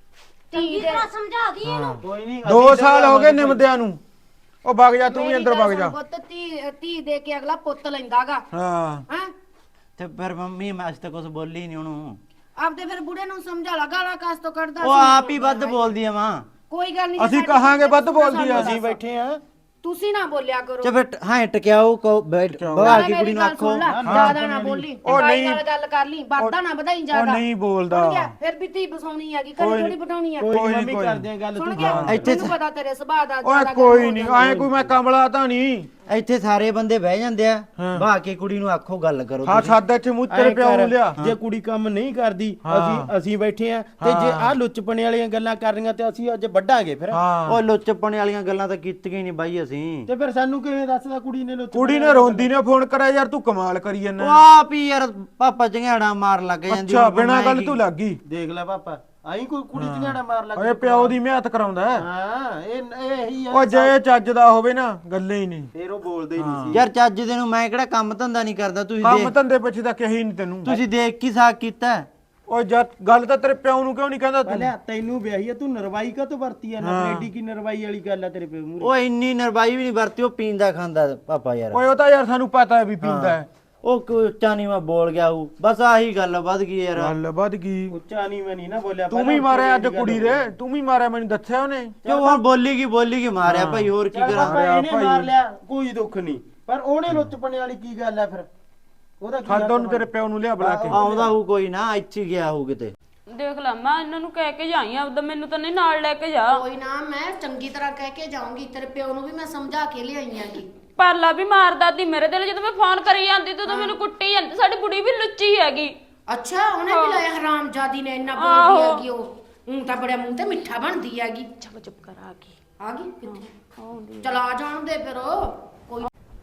Speaker 7: ਚੰਗੀ ਤਰ੍ਹਾਂ ਸਮਝਾ ਦੀ ਇਹਨੂੰ
Speaker 6: ਕੋਈ ਨਹੀਂ
Speaker 2: ਦੋ ਸਾਲ ਹੋ ਗਏ ਨਿਮਦਿਆਂ ਨੂੰ ਉਹ ਵਗ ਜਾ ਤੂੰ ਵੀ ਅੰਦਰ ਵਗ ਜਾ
Speaker 5: ਪੁੱਤ ਧੀ ਧੀ ਦੇ ਕੇ ਅਗਲਾ ਪੁੱਤ ਲੈਂਦਾਗਾ
Speaker 2: ਹਾਂ
Speaker 5: ਹੈ
Speaker 6: ਤੇ ਫਿਰ ਮੰਮੀ ਮੈਂ ਅੱਜ ਤੱਕ ਕੁਝ ਬੋਲੀ ਨਹੀਂ ਉਹਨੂੰ
Speaker 5: ਆਪਦੇ ਫਿਰ ਬੁੜੇ ਨੂੰ ਸਮਝਾ ਲਾ ਗਾਲਾਂ ਕਾਸ ਤੋਂ ਕੱਢਦਾ
Speaker 6: ਉਹ
Speaker 5: ਸੀ।
Speaker 6: ਆਪ ਹੀ ਵੱਧ ਬੋਲਦੀ ਆ ਮਾਂ
Speaker 5: ਕੋਈ ਗੱਲ ਨਹੀਂ
Speaker 2: ਅਸੀਂ ਕਹਾਂਗੇ ਵੱਧ ਬੋਲਦੀ ਆ
Speaker 6: ਅਸੀਂ ਬੈਠੇ ਆ
Speaker 5: ਤੁਸੀਂ ਨਾ ਬੋਲਿਆ ਕਰੋ
Speaker 6: ਤੇ ਫਿਰ ਹਾਂ ਟਕਿਆਓ ਕੋ ਬੈਠ ਬਹਾ ਕੇ ਕੁੜੀ ਨੂੰ ਆਖੋ
Speaker 5: ਜਿਆਦਾ ਨਾ ਬੋਲੀ
Speaker 2: ਉਹ
Speaker 5: ਭਾਈ
Speaker 2: ਨਹੀਂ।
Speaker 5: ਨਾਲ ਗੱਲ ਕਰ ਲਈ ਵਾਦਾ ਨਾ ਵਧਾਈ
Speaker 2: ਉਹ
Speaker 5: ਜਿਆਦਾ
Speaker 2: ਨਹੀਂ ਬੋਲਦਾ
Speaker 5: ਫਿਰ ਵੀ ਧੀ ਬਸਾਉਣੀ ਹੈਗੀ ਕਦੇ ਥੋੜੀ ਬਟਾਉਣੀ ਆ
Speaker 2: ਕੋਈ ਮੰਮੀ ਕਰਦੇ
Speaker 6: ਆ ਗੱਲ
Speaker 5: ਸੁਣ ਗਿਆ
Speaker 6: ਇੱਥੇ
Speaker 5: ਮੈਨੂੰ ਪਤਾ ਤੇਰੇ ਸੁਭਾਅ ਦਾ
Speaker 2: ਓਏ
Speaker 5: ਜ਼ਿਆਦਾ
Speaker 2: ਕੋਈ
Speaker 5: ਗੱਲ
Speaker 2: ਨਹੀਂ
Speaker 5: ਹੋ
Speaker 2: ਐ ਕੋਈ ਮੈਂ ਕਮਲਾ ਤਾਂ ਨਹੀਂ
Speaker 6: ਇੱਥੇ ਸਾਰੇ ਬੰਦੇ ਬਹਿ ਜਾਂਦੇ ਆ ਬਹਾ ਕੇ ਕੁੜੀ ਨੂੰ ਆਖੋ ਗੱਲ ਕਰੋ
Speaker 2: ਹਾਂ ਸਾਦਾ ਇੱਥੇ ਮੂੰਹ ਤੇਰੇ ਪਿਓ ਨੂੰ ਲਿਆ
Speaker 8: ਜੇ ਕੁੜੀ ਕੰਮ ਨਹੀਂ ਕਰਦੀ ਅਸੀਂ ਅਸੀਂ ਬੈਠੇ ਆ ਤੇ ਜੇ ਆਹ ਲੁੱਚਪਣੇ ਵਾਲੀਆਂ ਗੱਲਾਂ ਕਰ ਰਹੀਆਂ ਤੇ ਅਸੀਂ ਅੱਜ ਵੱਡਾਂਗੇ ਫਿਰ
Speaker 2: ਹਾਂ
Speaker 6: ਉਹ ਲੁੱਚਪਣੇ ਵਾਲੀਆਂ ਗੱਲਾਂ ਤਾਂ ਕੀਤੀਆਂ ਹੀ ਨਹੀਂ ਬਾਈ ਅਸੀਂ
Speaker 8: ਤੇ ਫਿਰ ਸਾਨੂੰ ਕਿਵੇਂ ਦੱਸਦਾ ਕੁੜੀ ਨੇ ਲੁੱਚ
Speaker 2: ਕੁੜੀ ਨੇ ਰੋਂਦੀ ਨੇ ਫੋਨ ਕਰਿਆ ਯਾਰ ਤੂੰ ਕਮਾਲ ਕਰੀ
Speaker 6: ਉਹ
Speaker 2: ਜਾਂਦਾ
Speaker 6: ਆਪ ਹੀ ਯਾਰ ਪਾਪਾ ਚੰਗਿਆੜਾ ਮਾਰ ਲੱਗ ਜਾਂਦੀ
Speaker 2: ਅੱਛਾ
Speaker 6: ਹੁਣ
Speaker 2: ਬਿਨਾਂ
Speaker 6: ਮੈਂ
Speaker 2: ਗੱਲ
Speaker 6: ਕੀ-
Speaker 2: ਤੂੰ ਲੱਗ ਗਈ
Speaker 8: ਦੇਖ ਲੈ ਪਾਪਾ ਆਈ ਕੋਈ ਕੁੜੀ ਝਗੜਾ ਮਾਰ ਲੱਗ
Speaker 2: ਓਏ ਪਿਓ ਦੀ ਮਿਹਨਤ ਕਰਾਉਂਦਾ ਹੈ।
Speaker 8: ਹਾਂ ਇਹ ਇਹ ਇਹੀ ਆ
Speaker 2: ਉਹ ਜੇ ਚੱਜ ਦਾ ਹੋਵੇ ਨਾ ਗੱਲੇ ਹੀ ਨਹੀਂ
Speaker 8: ਫਿਰ ਉਹ ਬੋਲਦੇ ਹੀ ਨਹੀਂ ਸੀ
Speaker 6: ਯਾਰ ਚੱਜ ਦੇ ਨੂੰ ਮੈਂ ਕਿਹੜਾ ਕੰਮ ਧੰਦਾ ਨਹੀਂ ਕਰਦਾ ਤੁਸੀਂ
Speaker 2: ਕੰਮ
Speaker 6: ਦੇਖ
Speaker 2: ਧੰਦੇ ਪਿੱਛੇ ਤਾਂ ਕਹੀ ਨਹੀਂ ਤੈਨੂੰ
Speaker 6: ਤੁਸੀਂ ਦੇਖ ਕੀ ਸਾਕ ਕੀਤਾ
Speaker 2: ਓਏ ਜਦ ਗੱਲ ਤਾਂ ਤੇਰੇ ਪਿਓ ਨੂੰ ਕਿਉਂ ਨਹੀਂ ਕਹਿੰਦਾ ਤੂੰ
Speaker 8: ਪਹਿਲਾਂ ਤੈਨੂੰ ਵਿਆਹੀ ਆ ਤੂੰ ਨਰਵਾਈ ਕਾ ਤੋਂ ਵਰਤੀ ਆ ਨਾ ਐਡੀ ਕੀ ਨਰਵਾਈ ਵਾਲੀ ਗੱਲ ਆ ਤੇਰੇ ਪਿਓ ਮੂਰੇ
Speaker 6: ਉਹ ਇੰਨੀ ਨਰਵਾਈ ਵੀ ਨਹੀਂ ਵਰਤੀ ਉਹ ਪੀਂਦਾ ਖਾਂਦਾ ਪਾਪਾ ਯਾਰ
Speaker 2: ਓਏ ਉਹ ਤਾਂ ਯਾਰ ਸਾਨੂੰ ਪਤਾ ਹੈ ਵੀ ਪੀਂਦਾ ਹੈ
Speaker 6: ਉਹ ਉੱਚਾ ਨਹੀਂ ਮੈਂ ਬੋਲ ਗਿਆ ਹੂੰ ਬਸ ਆਹੀ ਗੱਲ ਵੱਧ ਗਈ ਯਾਰ
Speaker 2: ਗੱਲ ਵੱਧ ਗਈ
Speaker 8: ਉੱਚਾ ਨਹੀਂ ਮੈਂ ਨਹੀਂ ਨਾ ਬੋਲਿਆ
Speaker 2: ਤੂੰ ਵੀ ਮਾਰਿਆ ਅੱਜ ਕੁੜੀ ਦੇ ਤੂੰ ਵੀ ਮਾਰਿਆ ਮੈਨੂੰ ਦੱਸਿਆ ਉਹਨੇ
Speaker 6: ਕਿਉਂ ਹੁਣ ਬੋਲੀ ਕੀ ਬੋਲੀ ਕੀ ਮਾਰਿਆ ਭਾਈ ਹੋਰ ਕੀ
Speaker 8: ਚੱਲ
Speaker 6: ਕਰਾਂ
Speaker 8: ਪਾਪਾ ਇਹਨੇ ਮਾਰ ਲਿਆ ਕੋਈ ਦੁੱਖ ਨਹੀਂ ਪਰ ਉਹਨੇ ਲੁੱਚਪਣੇ ਵਾਲੀ ਕੀ ਗੱਲ ਆ ਫਿਰ ਉਹਦਾ ਕੀ
Speaker 2: ਛੱਡ ਉਹਨੂੰ ਤੇਰੇ ਪਿਓ ਨੂੰ ਲਿਆ ਬੁਲਾ ਕੇ
Speaker 6: ਆਉਂਦਾ ਹੂ ਕੋਈ ਨਾ ਇੱਥੇ ਹੀ ਗਿਆ ਹੂ ਕਿਤੇ
Speaker 3: ਦੇਖ ਲਾ ਮੈਂ ਇਹਨਾਂ ਨੂੰ ਕਹਿ ਕੇ ਜਾਈ ਆਪਦਾ ਮੈਨੂੰ ਤਾਂ ਨਹੀਂ ਨਾਲ ਲੈ ਕੇ ਜਾ
Speaker 5: ਕੋਈ ਨਾ ਮੈਂ ਚੰਗੀ ਤਰ੍ਹਾਂ ਕਹਿ ਕੇ ਜਾਊਂਗੀ ਤੇਰੇ ਪਿਓ ਨੂੰ ਵੀ ਮੈਂ ਸਮਝਾ ਕੇ ਲਿਆਈ ਆਂਗੀ
Speaker 3: ਪਾਲਾ ਵੀ ਮਾਰਦਾ ਤੀ ਮੇਰੇ ਦਿਲ ਜਦੋਂ ਮੈਂ ਫੋਨ ਕਰੀ ਜਾਂਦੀ ਤੂੰ ਤਾਂ ਮੈਨੂੰ ਕੁੱਟੀ ਜਾਂਦੀ ਸਾਡੀ ਬੁੜੀ ਵੀ ਲੁੱਚੀ ਹੈਗੀ
Speaker 5: ਅੱਛਾ ਉਹਨੇ ਵੀ ਲਾਇਆ ਹਰਾਮਜ਼ਾਦੀ ਨੇ ਇੰਨਾ ਬੋਲਦੀ ਹੈਗੀ ਉਹ ਹੁਣ ਤਾਂ ਬੜਾ ਮੂੰਹ ਤੇ ਮਿੱਠਾ ਬਣਦੀ ਹੈਗੀ
Speaker 3: ਚੁੱਪ ਚੁੱਪ ਕਰ ਆ ਗਈ
Speaker 5: ਆ ਗਈ ਕਿੱਥੇ ਚਲਾ ਜਾਣ ਦੇ ਫਿਰ ਉਹ ਕੋਈ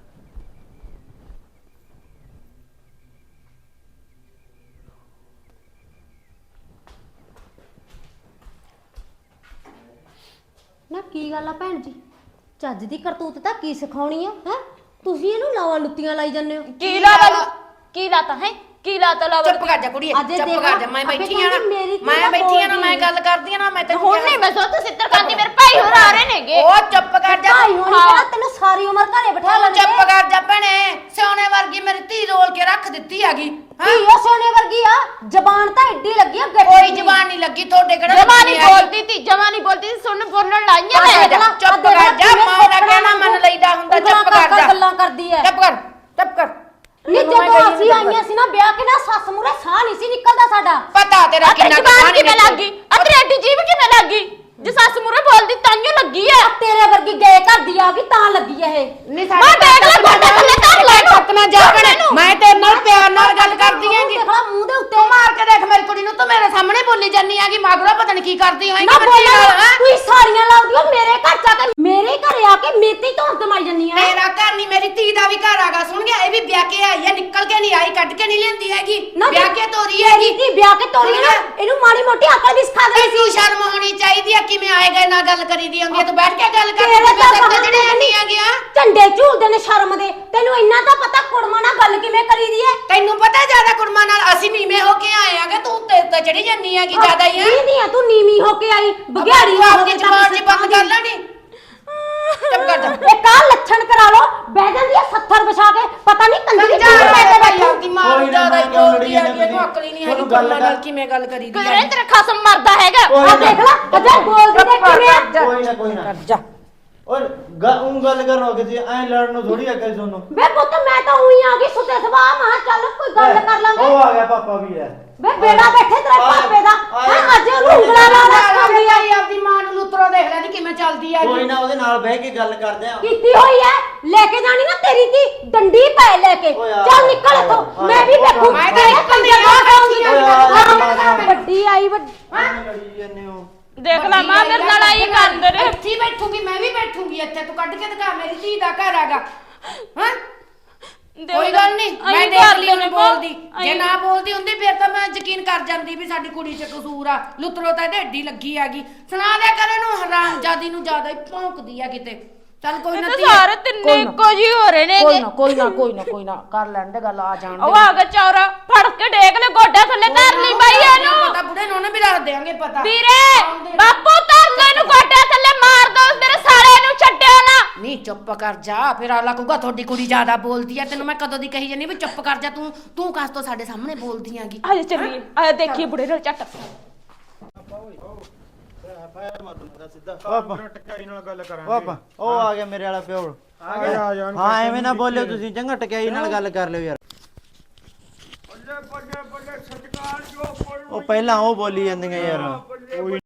Speaker 7: ਨਾ ਕੀ ਗੱਲ ਆ ਭੈਣ ਜੀ ਚੱਜ ਦੀ ਕਰਤੂਤ ਤਾਂ ਕੀ ਸਿਖਾਉਣੀ ਆ ਹੈ ਤੁਸੀਂ ਇਹਨੂੰ ਲਾਵਾ ਲੁੱਤੀਆਂ ਲਾਈ ਜਾਂਦੇ ਹੋ
Speaker 3: ਕੀ ਲਾਤਾ ਕੀ ਲਾਤਾ ਹੈ ਕੀ ਲਾਤਾ ਲਾਵਾ
Speaker 5: ਚੁੱਪ ਕਰ ਜਾ ਕੁੜੀਏ
Speaker 7: ਅੱਜ ਇਹ
Speaker 5: ਚੁੱਪ
Speaker 7: ਦੇਖੋ,
Speaker 5: ਕਰ ਜਾ ਮੈਂ
Speaker 7: ਅੱਗੇ
Speaker 5: ਬੈਠੀ ਆ ਨਾ
Speaker 7: ਕਹਿੰਦੀ ਮੇਰੀ ਧੀ
Speaker 5: ਮੈਂ
Speaker 7: ਤਾਂ
Speaker 5: ਬੈਠੀ ਆ ਨਾ
Speaker 7: ਬੋਲਦੀ
Speaker 5: ਮੈਂ ਗੱਲ ਕਰਦੀ ਆ ਨਾ ਮੈਂ ਤੈਨੂੰ
Speaker 3: ਹੁਣ ਨਹੀਂ ਮੈਂ ਸੋਚ ਸਿੱਤਰ ਕਰਦੀ ਮੇਰੇ ਭਾਈ ਹੋਰ ਆ ਰਹੇ ਨੇਗੇ
Speaker 5: ਉਹ ਚੁੱਪ ਕਰ ਜਾ
Speaker 7: ਭਾਈ ਹੋਣੀ ਕਿਹੜਾ ਤੈਨੂੰ ਸਾਰੀ ਉਮਰ ਘਰੇ ਬਿਠਾ
Speaker 5: ਤੂੰ
Speaker 7: ਲੈਣਗੇ
Speaker 5: ਚੁੱਪ ਕਰ ਜਾ ਭੈਣੇ ਸੋਨੇ ਵਰਗੀ ਮੇਰੀ ਧੀ ਰੋਲ ਕੇ ਰੱਖ ਦਿੱਤੀ ਹੈਗੀ
Speaker 7: ਕੀ ਉਹ ਸੋਨੇ ਵਰਗੀ ਆ ਜ਼ਬਾਨ ਤਾਂ ਏਡੀ ਲੱਗੀ ਆ ਗੱਡੀ
Speaker 5: ਕੋਈ ਜ਼ਬਾਨ ਨਹੀਂ ਲੱਗੀ ਤੁਹਾਡੇ ਕਿਹੜਾ
Speaker 3: ਜਮਾਨੀ ਬੋਲਦੀ ਤੀ ਜਮਾਨੀ ਬੋਲਦੀ ਸੀ ਸੁਣ ਬੋਲਣ ਲਾਈਆਂ ਮੈਂ
Speaker 7: ਦੇਖ ਲਾ,
Speaker 5: ਚੁੱਪ
Speaker 7: ਆਹ
Speaker 5: ਕਰ ਜਾ
Speaker 7: ਦੇਖ
Speaker 5: ਮਾਂ ਦਾ
Speaker 7: ਕਿਵੇਂ
Speaker 5: ਕਹਿਣਾ ਮੰਨ ਲਈਦਾ ਹੁੰਦਾ
Speaker 7: ਉਂਗਲਾਂ
Speaker 5: ਚੁੱਪ ਕਰ ਜਾ
Speaker 7: ਗੱਲਾਂ ਕਰਦੀ ਐ
Speaker 5: ਚੁੱਪ ਕਰ ਚੁੱਪ ਕਰ
Speaker 7: ਨਹੀਂ
Speaker 5: ਤੈਨੂੰ ਮੈਂ
Speaker 7: ਜਦੋਂ
Speaker 5: ਕਹੀ
Speaker 7: ਅਸੀਂ
Speaker 5: ਜਾਂਦਾ।
Speaker 7: ਆਈਆਂ ਸੀ ਨਾ ਵਿਆਹ ਕੇ ਨਾ ਸੱਸ ਮੂਰੇ ਸਾਹ ਨਹੀਂ ਸੀ ਨਿਕਲਦਾ ਸਾਡਾ
Speaker 5: ਪਤਾ ਤੇਰਾ
Speaker 3: ਆ
Speaker 5: ਕਿੰਨਾ
Speaker 3: ਜ਼ਬਾਨ
Speaker 5: ਕਹਾਣੀ
Speaker 3: ਕਿਵੇਂ ਲੱਗ ਗਈ ਆ ਤੇਰੀ ਐਡੀ ਜੀਭ ਕਿਵੇਂ ਲੱਗ ਗਈ ਜੇ ਸੱਸ ਮੂਰੇ ਬੋਲਦੀ ਤਾਂਿਓ ਲੱਗੀ ਐ
Speaker 7: ਤੇਰੇ ਵਰਗੀ ਗਏ ਘਰ ਦੀ ਆ ਗਈ ਤਾਂ ਲੱਗੀ ਐ ਇਹ
Speaker 5: ਨਹੀਂ
Speaker 3: ਮੈਂ ਦੇਖ ਲੈ ਗੋਡੇ ਥੱਲੇ ਧਰ ਲੈ
Speaker 5: ਸੱਤ ਨਾ ਜਾ ਭੈਣੇ ਮੈਂ ਤੇਰੇ ਨਾਲ ਪਿਆਰ ਨਾਲ ਗੱਲ ਕਰਦੀ ਹੈਗੀ
Speaker 7: ਦੇਖ ਲਾ ਮੂੰਹ ਦੇ ਉੱਤੇ
Speaker 5: ਤੂੰ ਮਾਰ ਕੇ ਦੇਖ ਮੇਰੀ ਕੁੜੀ ਨੂੰ ਤੂੰ ਮੇਰੇ ਸਾਹਮਣੇ ਬੋਲੀ ਜਾਨੀ ਹੈਗੀ ਮਗਰੋਂ ਪਤਾ ਨਹੀਂ ਕੀ ਕਰਦੀ ਹੋਏਗੀ
Speaker 7: ਨਾ
Speaker 5: ਬੱਚੀ ਨਾਲ
Speaker 7: ਬੋਲਾਂ
Speaker 5: ਹੈਂ?
Speaker 7: ਤੂੰ ਸਾਰੀਆਂ ਲਾਉਂਦੀ ਓ ਮੇਰੇ ਘਰ ਚ ਆ ਕੇ ਮੇਰੇ ਘਰੇ ਆ ਕੇ ਮੇਤੀ ਧੌਣ ਕਮਾਈ ਜੰਨੀ ਆ
Speaker 5: ਮੇਰਾ ਘਰ ਨਹੀਂ ਮੇਰੀ ਧੀ ਦਾ ਵੀ ਘਰ ਆਗਾ ਸੁਣ ਗਿਆ ਇਹ ਵੀ ਵਿਆਹ ਕੇ ਆਈ ਹੈ ਨਿਕਲ ਕੇ ਨਹੀਂ ਆਈ ਕੱਢ ਕੇ ਨਹੀਂ ਲੈਂਦੀ ਹੈਗੀ
Speaker 7: ਨਾ
Speaker 5: ਵਿਆਹ ਕੇ ਤੋਰੀ ਹੈਗੀ
Speaker 7: ਕੀ ਵਿਆਹ ਕੇ ਤੋਰੀ ਨਾ ਇਹਨੂੰ ਮਾੜੀ ਮੋਟੀ ਅਕਲ ਵੀ ਸਿਖਾ ਦੇ
Speaker 5: ਤੈਨੂੰ ਸ਼ਰਮ ਹੋਣੀ ਚਾਹੀਦੀ ਹੈ ਕਿਵੇਂ ਆਏਗਾ ਨਾ ਗੱਲ ਕਰੀਦੀ ਹੁੰਦੀ ਹੈ ਤੂੰ ਬੈਠ ਕੇ ਗੱਲ ਕਰ
Speaker 7: ਤੇਰੇ
Speaker 5: ਮੈਂ
Speaker 7: ਤਾਂ
Speaker 5: ਸਭ ਤੇ
Speaker 7: ਬਹਾਨੇ
Speaker 5: ਜਿਹੜੇ ਨਹੀਂ ਆ ਗਿਆ
Speaker 7: ਝੰਡੇ ਝੂਲਦੇ ਨੇ ਸ਼ਰਮ ਦੇ ਤੈਨੂੰ ਇੰਨਾ ਤਾਂ ਪਤਾ ਕੁੜਮਾ ਨਾਲ ਗੱਲ ਕਿਵੇਂ ਕਰੀਦੀ ਐ
Speaker 5: ਤੈਨੂੰ ਪਤਾ ਜਿਆਦਾ ਕੁੜਮਾ ਨਾਲ ਅਸੀਂ ਨੀਵੇਂ ਹੋ ਕੇ ਆਏ ਆਗੇ ਤੂੰ ਤੇ ਤੇ ਚੜੀ ਜੰਨੀ ਹੈਗੀ ਜਿਆਦਾ ਹੀ ਹੈ
Speaker 7: ਨਹੀਂ ਨਹੀਂ ਤੂੰ ਨੀਵੀਂ ਹੋ ਕੇ ਆਈ ਬਗਿਆੜੀ
Speaker 5: ਤੂੰ
Speaker 7: ਹੋ
Speaker 5: ਆਪਣੀ
Speaker 7: ਕੇ
Speaker 5: ਜ਼ਬਾਨ ਜੀ ਬੰਦ ਕਰ ਲੈਣੀ ਚੁੱਪ ਕਰ ਜਾ
Speaker 7: ਇਹ ਕਾਹ ਲੱਛਣ ਕਰਾ ਲੋ ਬਹਿ ਜਾਂਦੀ ਐ ਸੱਥਰ ਵਿਛਾ ਕੇ ਪਤਾ ਨਹੀਂ ਕੰਦੀ
Speaker 5: ਜਾ ਮੈਂ ਤੇ ਭਾਈ ਆਪਦੀ ਮਾਂ
Speaker 6: ਕੋਈ
Speaker 5: ਨੂੰ
Speaker 6: ਨਾ,
Speaker 5: ਜਿਆਦਾ ਹੀ
Speaker 6: ਮੈਂ ਕਿਉਂ
Speaker 5: ਬੋਲਦੀ
Speaker 6: ਲੜੀ
Speaker 5: ਹੈਗੀ ਇਹਨੂੰ
Speaker 6: ਜਾਂਦੀ?
Speaker 5: ਅਕਲ ਹੀ ਨਹੀਂ ਹੈਗੀ
Speaker 6: ਤੁਹਾਨੂੰ ਗੱਲ
Speaker 5: ਕੁੜਮਾ ਨਾਲ
Speaker 6: ਕਰ-
Speaker 5: ਕਿਵੇਂ ਗੱਲ ਕਰੀਦੀ
Speaker 3: ਘਰੇ
Speaker 5: ਹੈ
Speaker 3: ਤੇਰਾ ਖਸਮ ਮਰਦਾ ਹੈਗਾ
Speaker 7: ਆ ਦੇਖ ਲੈ ਅਜਾ ਬੋਲਦੀ ਤੇ ਕਿਵੇਂ ਆ?
Speaker 6: ਕੋਈ ਨਾ ਕੋਈ ਨਾ
Speaker 5: ਜਾ
Speaker 6: ਔਰ ਉਹ ਗੱਲ ਕਰੋ ਕਿ ਐ ਲੜਨ ਨੂੰ ਥੋੜੀ ਅਕਲ ਤੁਹਾਨੂੰ
Speaker 7: ਵੇ ਪੁੱਤ ਮੈਂ ਤਾਂ ਉਹੀ ਆ ਗਈ ਸੁੱਤੇ ਸਵਾ ਮਾਂ ਚੱਲ ਕੋਈ ਗੱਲ ਕਰ ਲਾਂਗੇ
Speaker 6: ਉਹ ਆ ਗਿਆ ਪਾਪਾ ਵੀ ਹੈ
Speaker 7: ਵੇ ਬੇੜਾ ਬੈਠੇ ਤੇਰੇ ਪਾਪੇ ਦਾ ਹੈ ਅੱਜ ਉਹਨੂੰ ਉਂਗਲਾ ਲਾ ਲਾ ਸਿਖਾਉਂਦੀ ਆ
Speaker 5: ਆਈ ਆਪਦੀ ਮਾਂ ਨੂੰ ਲੁੱਤਰੋ ਦੇਖ ਲੈ ਨੀ ਕਿਵੇਂ ਚੱਲਦੀ ਹੈਗੀ
Speaker 6: ਕੋਈ ਨਾ ਉਹਦੇ ਨਾਲ ਬਹਿ ਕੇ ਗੱਲ ਕਰਦੇ ਆ
Speaker 7: ਕੀਤੀ ਹੋਈ ਐ ਲੈ ਕੇ ਜਾਣੀ ਨਾ ਤੇਰੀ ਦੀ ਡੰਡੀ ਪੈ ਲੈ ਕੇ
Speaker 6: ਓਏ ਆ,
Speaker 7: ਚੱਲ ਨਿਕਲ
Speaker 6: ਆ,
Speaker 7: ਇੱਥੋਂ
Speaker 6: ਆ,
Speaker 7: ਮੈਂ ਵੀ
Speaker 6: ਆ,
Speaker 7: ਵੇਖੂ
Speaker 5: ਮੈਂ ਤਾਂ ਨਿਕਲਦੀ ਆ,
Speaker 7: ਕੰਜਰ
Speaker 5: ਬੈਠੀ ਆ,
Speaker 7: ਖਾਊਂਗੀ।
Speaker 6: ਓਏ ਆ, ਆ, ਆ, ਆ,
Speaker 7: ਵੱਡੀ ਆਈ ਵੱਡੀ
Speaker 6: ਐਵੇਂ ਲੜੀ ਜਾਂਦੇ ਹੋ
Speaker 3: ਦੇਖ ਲੈ ਮਾਂ ਮੇਰੇ ਨਾਲ ਆਈ ਕਰਦੇ ਨੇ।
Speaker 5: ਇੱਥੇ ਹੀ ਬੈਠੂਗੀ ਮੈਂ ਵੀ ਬੈਠੂਗੀ ਇੱਥੇ, ਤੂੰ ਕੱਢ ਕੇ ਦਿਖਾ ਮੇਰੀ ਧੀ ਦਾ ਘਰ ਹੈਗਾ। ਹਾਂ ਕੋਈ ਗੱਲ ਨਹੀਂ, ਮੈਂ ਦੇਖ ਲਈ ਉਹਨੇ ਬੋਲਦੀ, ਜੇ ਨਾ ਬੋਲਦੀ ਹੁੰਦੀ ਫਿਰ ਤਾਂ ਮੈਂ ਯਕੀਨ ਕਰ ਜਾਂਦੀ ਵੀ ਸਾਡੀ ਕੁੜੀ 'ਚ ਕਸੂਰ ਆ। ਲੁੱਤਰੋ ਤਾਂ ਢੇਡੀ ਲੱਗੀ ਹੈਗੀ, ਸੁਣਾ ਦਿਆ ਕਰ ਇਹਨੂੰ, ਹਰਾਮਜ਼ਾਦੀ ਨੂੰ ਜ਼ਿਆਦਾ ਹੀ ਭੌਂਕਦੀ ਆ ਕਿਤੇ। ਚੱਲ ਕੋਈ ਨਾ,
Speaker 3: ਸਾਰੇ ਤਿੰਨੇ ਇੱਕੋ ਜਿਹੇ ਹੋ ਰਹੇ ਨੇ।
Speaker 5: ਕੋਈ ਨਾ ਕੋਈ ਨਾ ਕੋਈ ਨਾ ਕੋਈ ਨਾ ਕਰ ਲੈਣ ਦੇ ਗੱਲ, ਆ ਜਾਣ ਦੇ।
Speaker 3: ਉਹ ਆ ਗਿਆ ਚੌਰਾ, ਫੜ ਕੇ ਡੇਕ ਲੈ ਗੋਡਾ ਥੱਲੇ ਧਰ ਲਈ ਬਾਈ ਇਹਨੂੰ।
Speaker 5: ਪਤਾ ਬੁੜੇ ਨੂੰ ਵੀ ਦੱਸ ਦੇਾਂਗੇ ਪਤਾ।
Speaker 3: ਵੀਰੇ ਬਾਪੂ ਧਰ ਲੈ ਇਹਨੂੰ ਗੋਡਾ ਥੱਲੇ, ਮਾਰ ਦੋ ਮੇਰੇ ਸਾਲੇ ਨੂੰ, ਛੱਡਿਓ ਨਾ।
Speaker 5: ਨਹੀਂ ਚੁੱਪ ਕਰ ਜਾ, ਫਿਰ ਆਲਾ ਕਹੂਗਾ ਤੁਹਾਡੀ ਕੁੜੀ ਜ਼ਿਆਦਾ ਬੋਲਦੀ ਆ। ਤੈਨੂੰ ਮੈਂ ਕਦੋਂ ਦੀ ਕਹੀ ਜਾਨੀ ਵੀ ਚੁੱਪ ਕਰ ਜਾ, ਤੂੰ ਤੂੰ ਕਾਸ ਤੋਂ ਸਾਡੇ ਸਾਹਮਣੇ ਬੋਲਦੀ ਆਂਗੀ।
Speaker 3: ਆ ਚੱਲੀਏ, ਆ ਦੇਖੀਏ ਬੁੜੇ ਨਾਲ ਝੱਟ।
Speaker 2: ਟਕਾਈ ਨਾਲ ਗੱਲ ਕਰਾਂਗੇ।
Speaker 6: ਪਾਪਾ ਉਹ ਆ ਗਿਆ ਮੇਰੇ ਵਾਲਾ ਪਿਓ।
Speaker 2: ਆ ਗਿਆ ਆ ਜਾਣ।
Speaker 6: ਹਾਂ ਐਵੇਂ ਨਾ ਬੋਲਿਓ ਤੁਸੀਂ, ਚੰਗਾ ਟਕਿਆਈ ਨਾਲ ਗੱਲ ਕਰ ਲਿਓ ਯਾਰ।
Speaker 1: ਬੱਲੇ ਬੱਲੇ ਬੱਲੇ ਸਤਿਕਾਰ ਜੋ
Speaker 6: ਉਹ ਪਹਿਲਾਂ ਉਹ ਬੋਲੀ ਜਾਂਦੀਆਂ ਯਾਰ।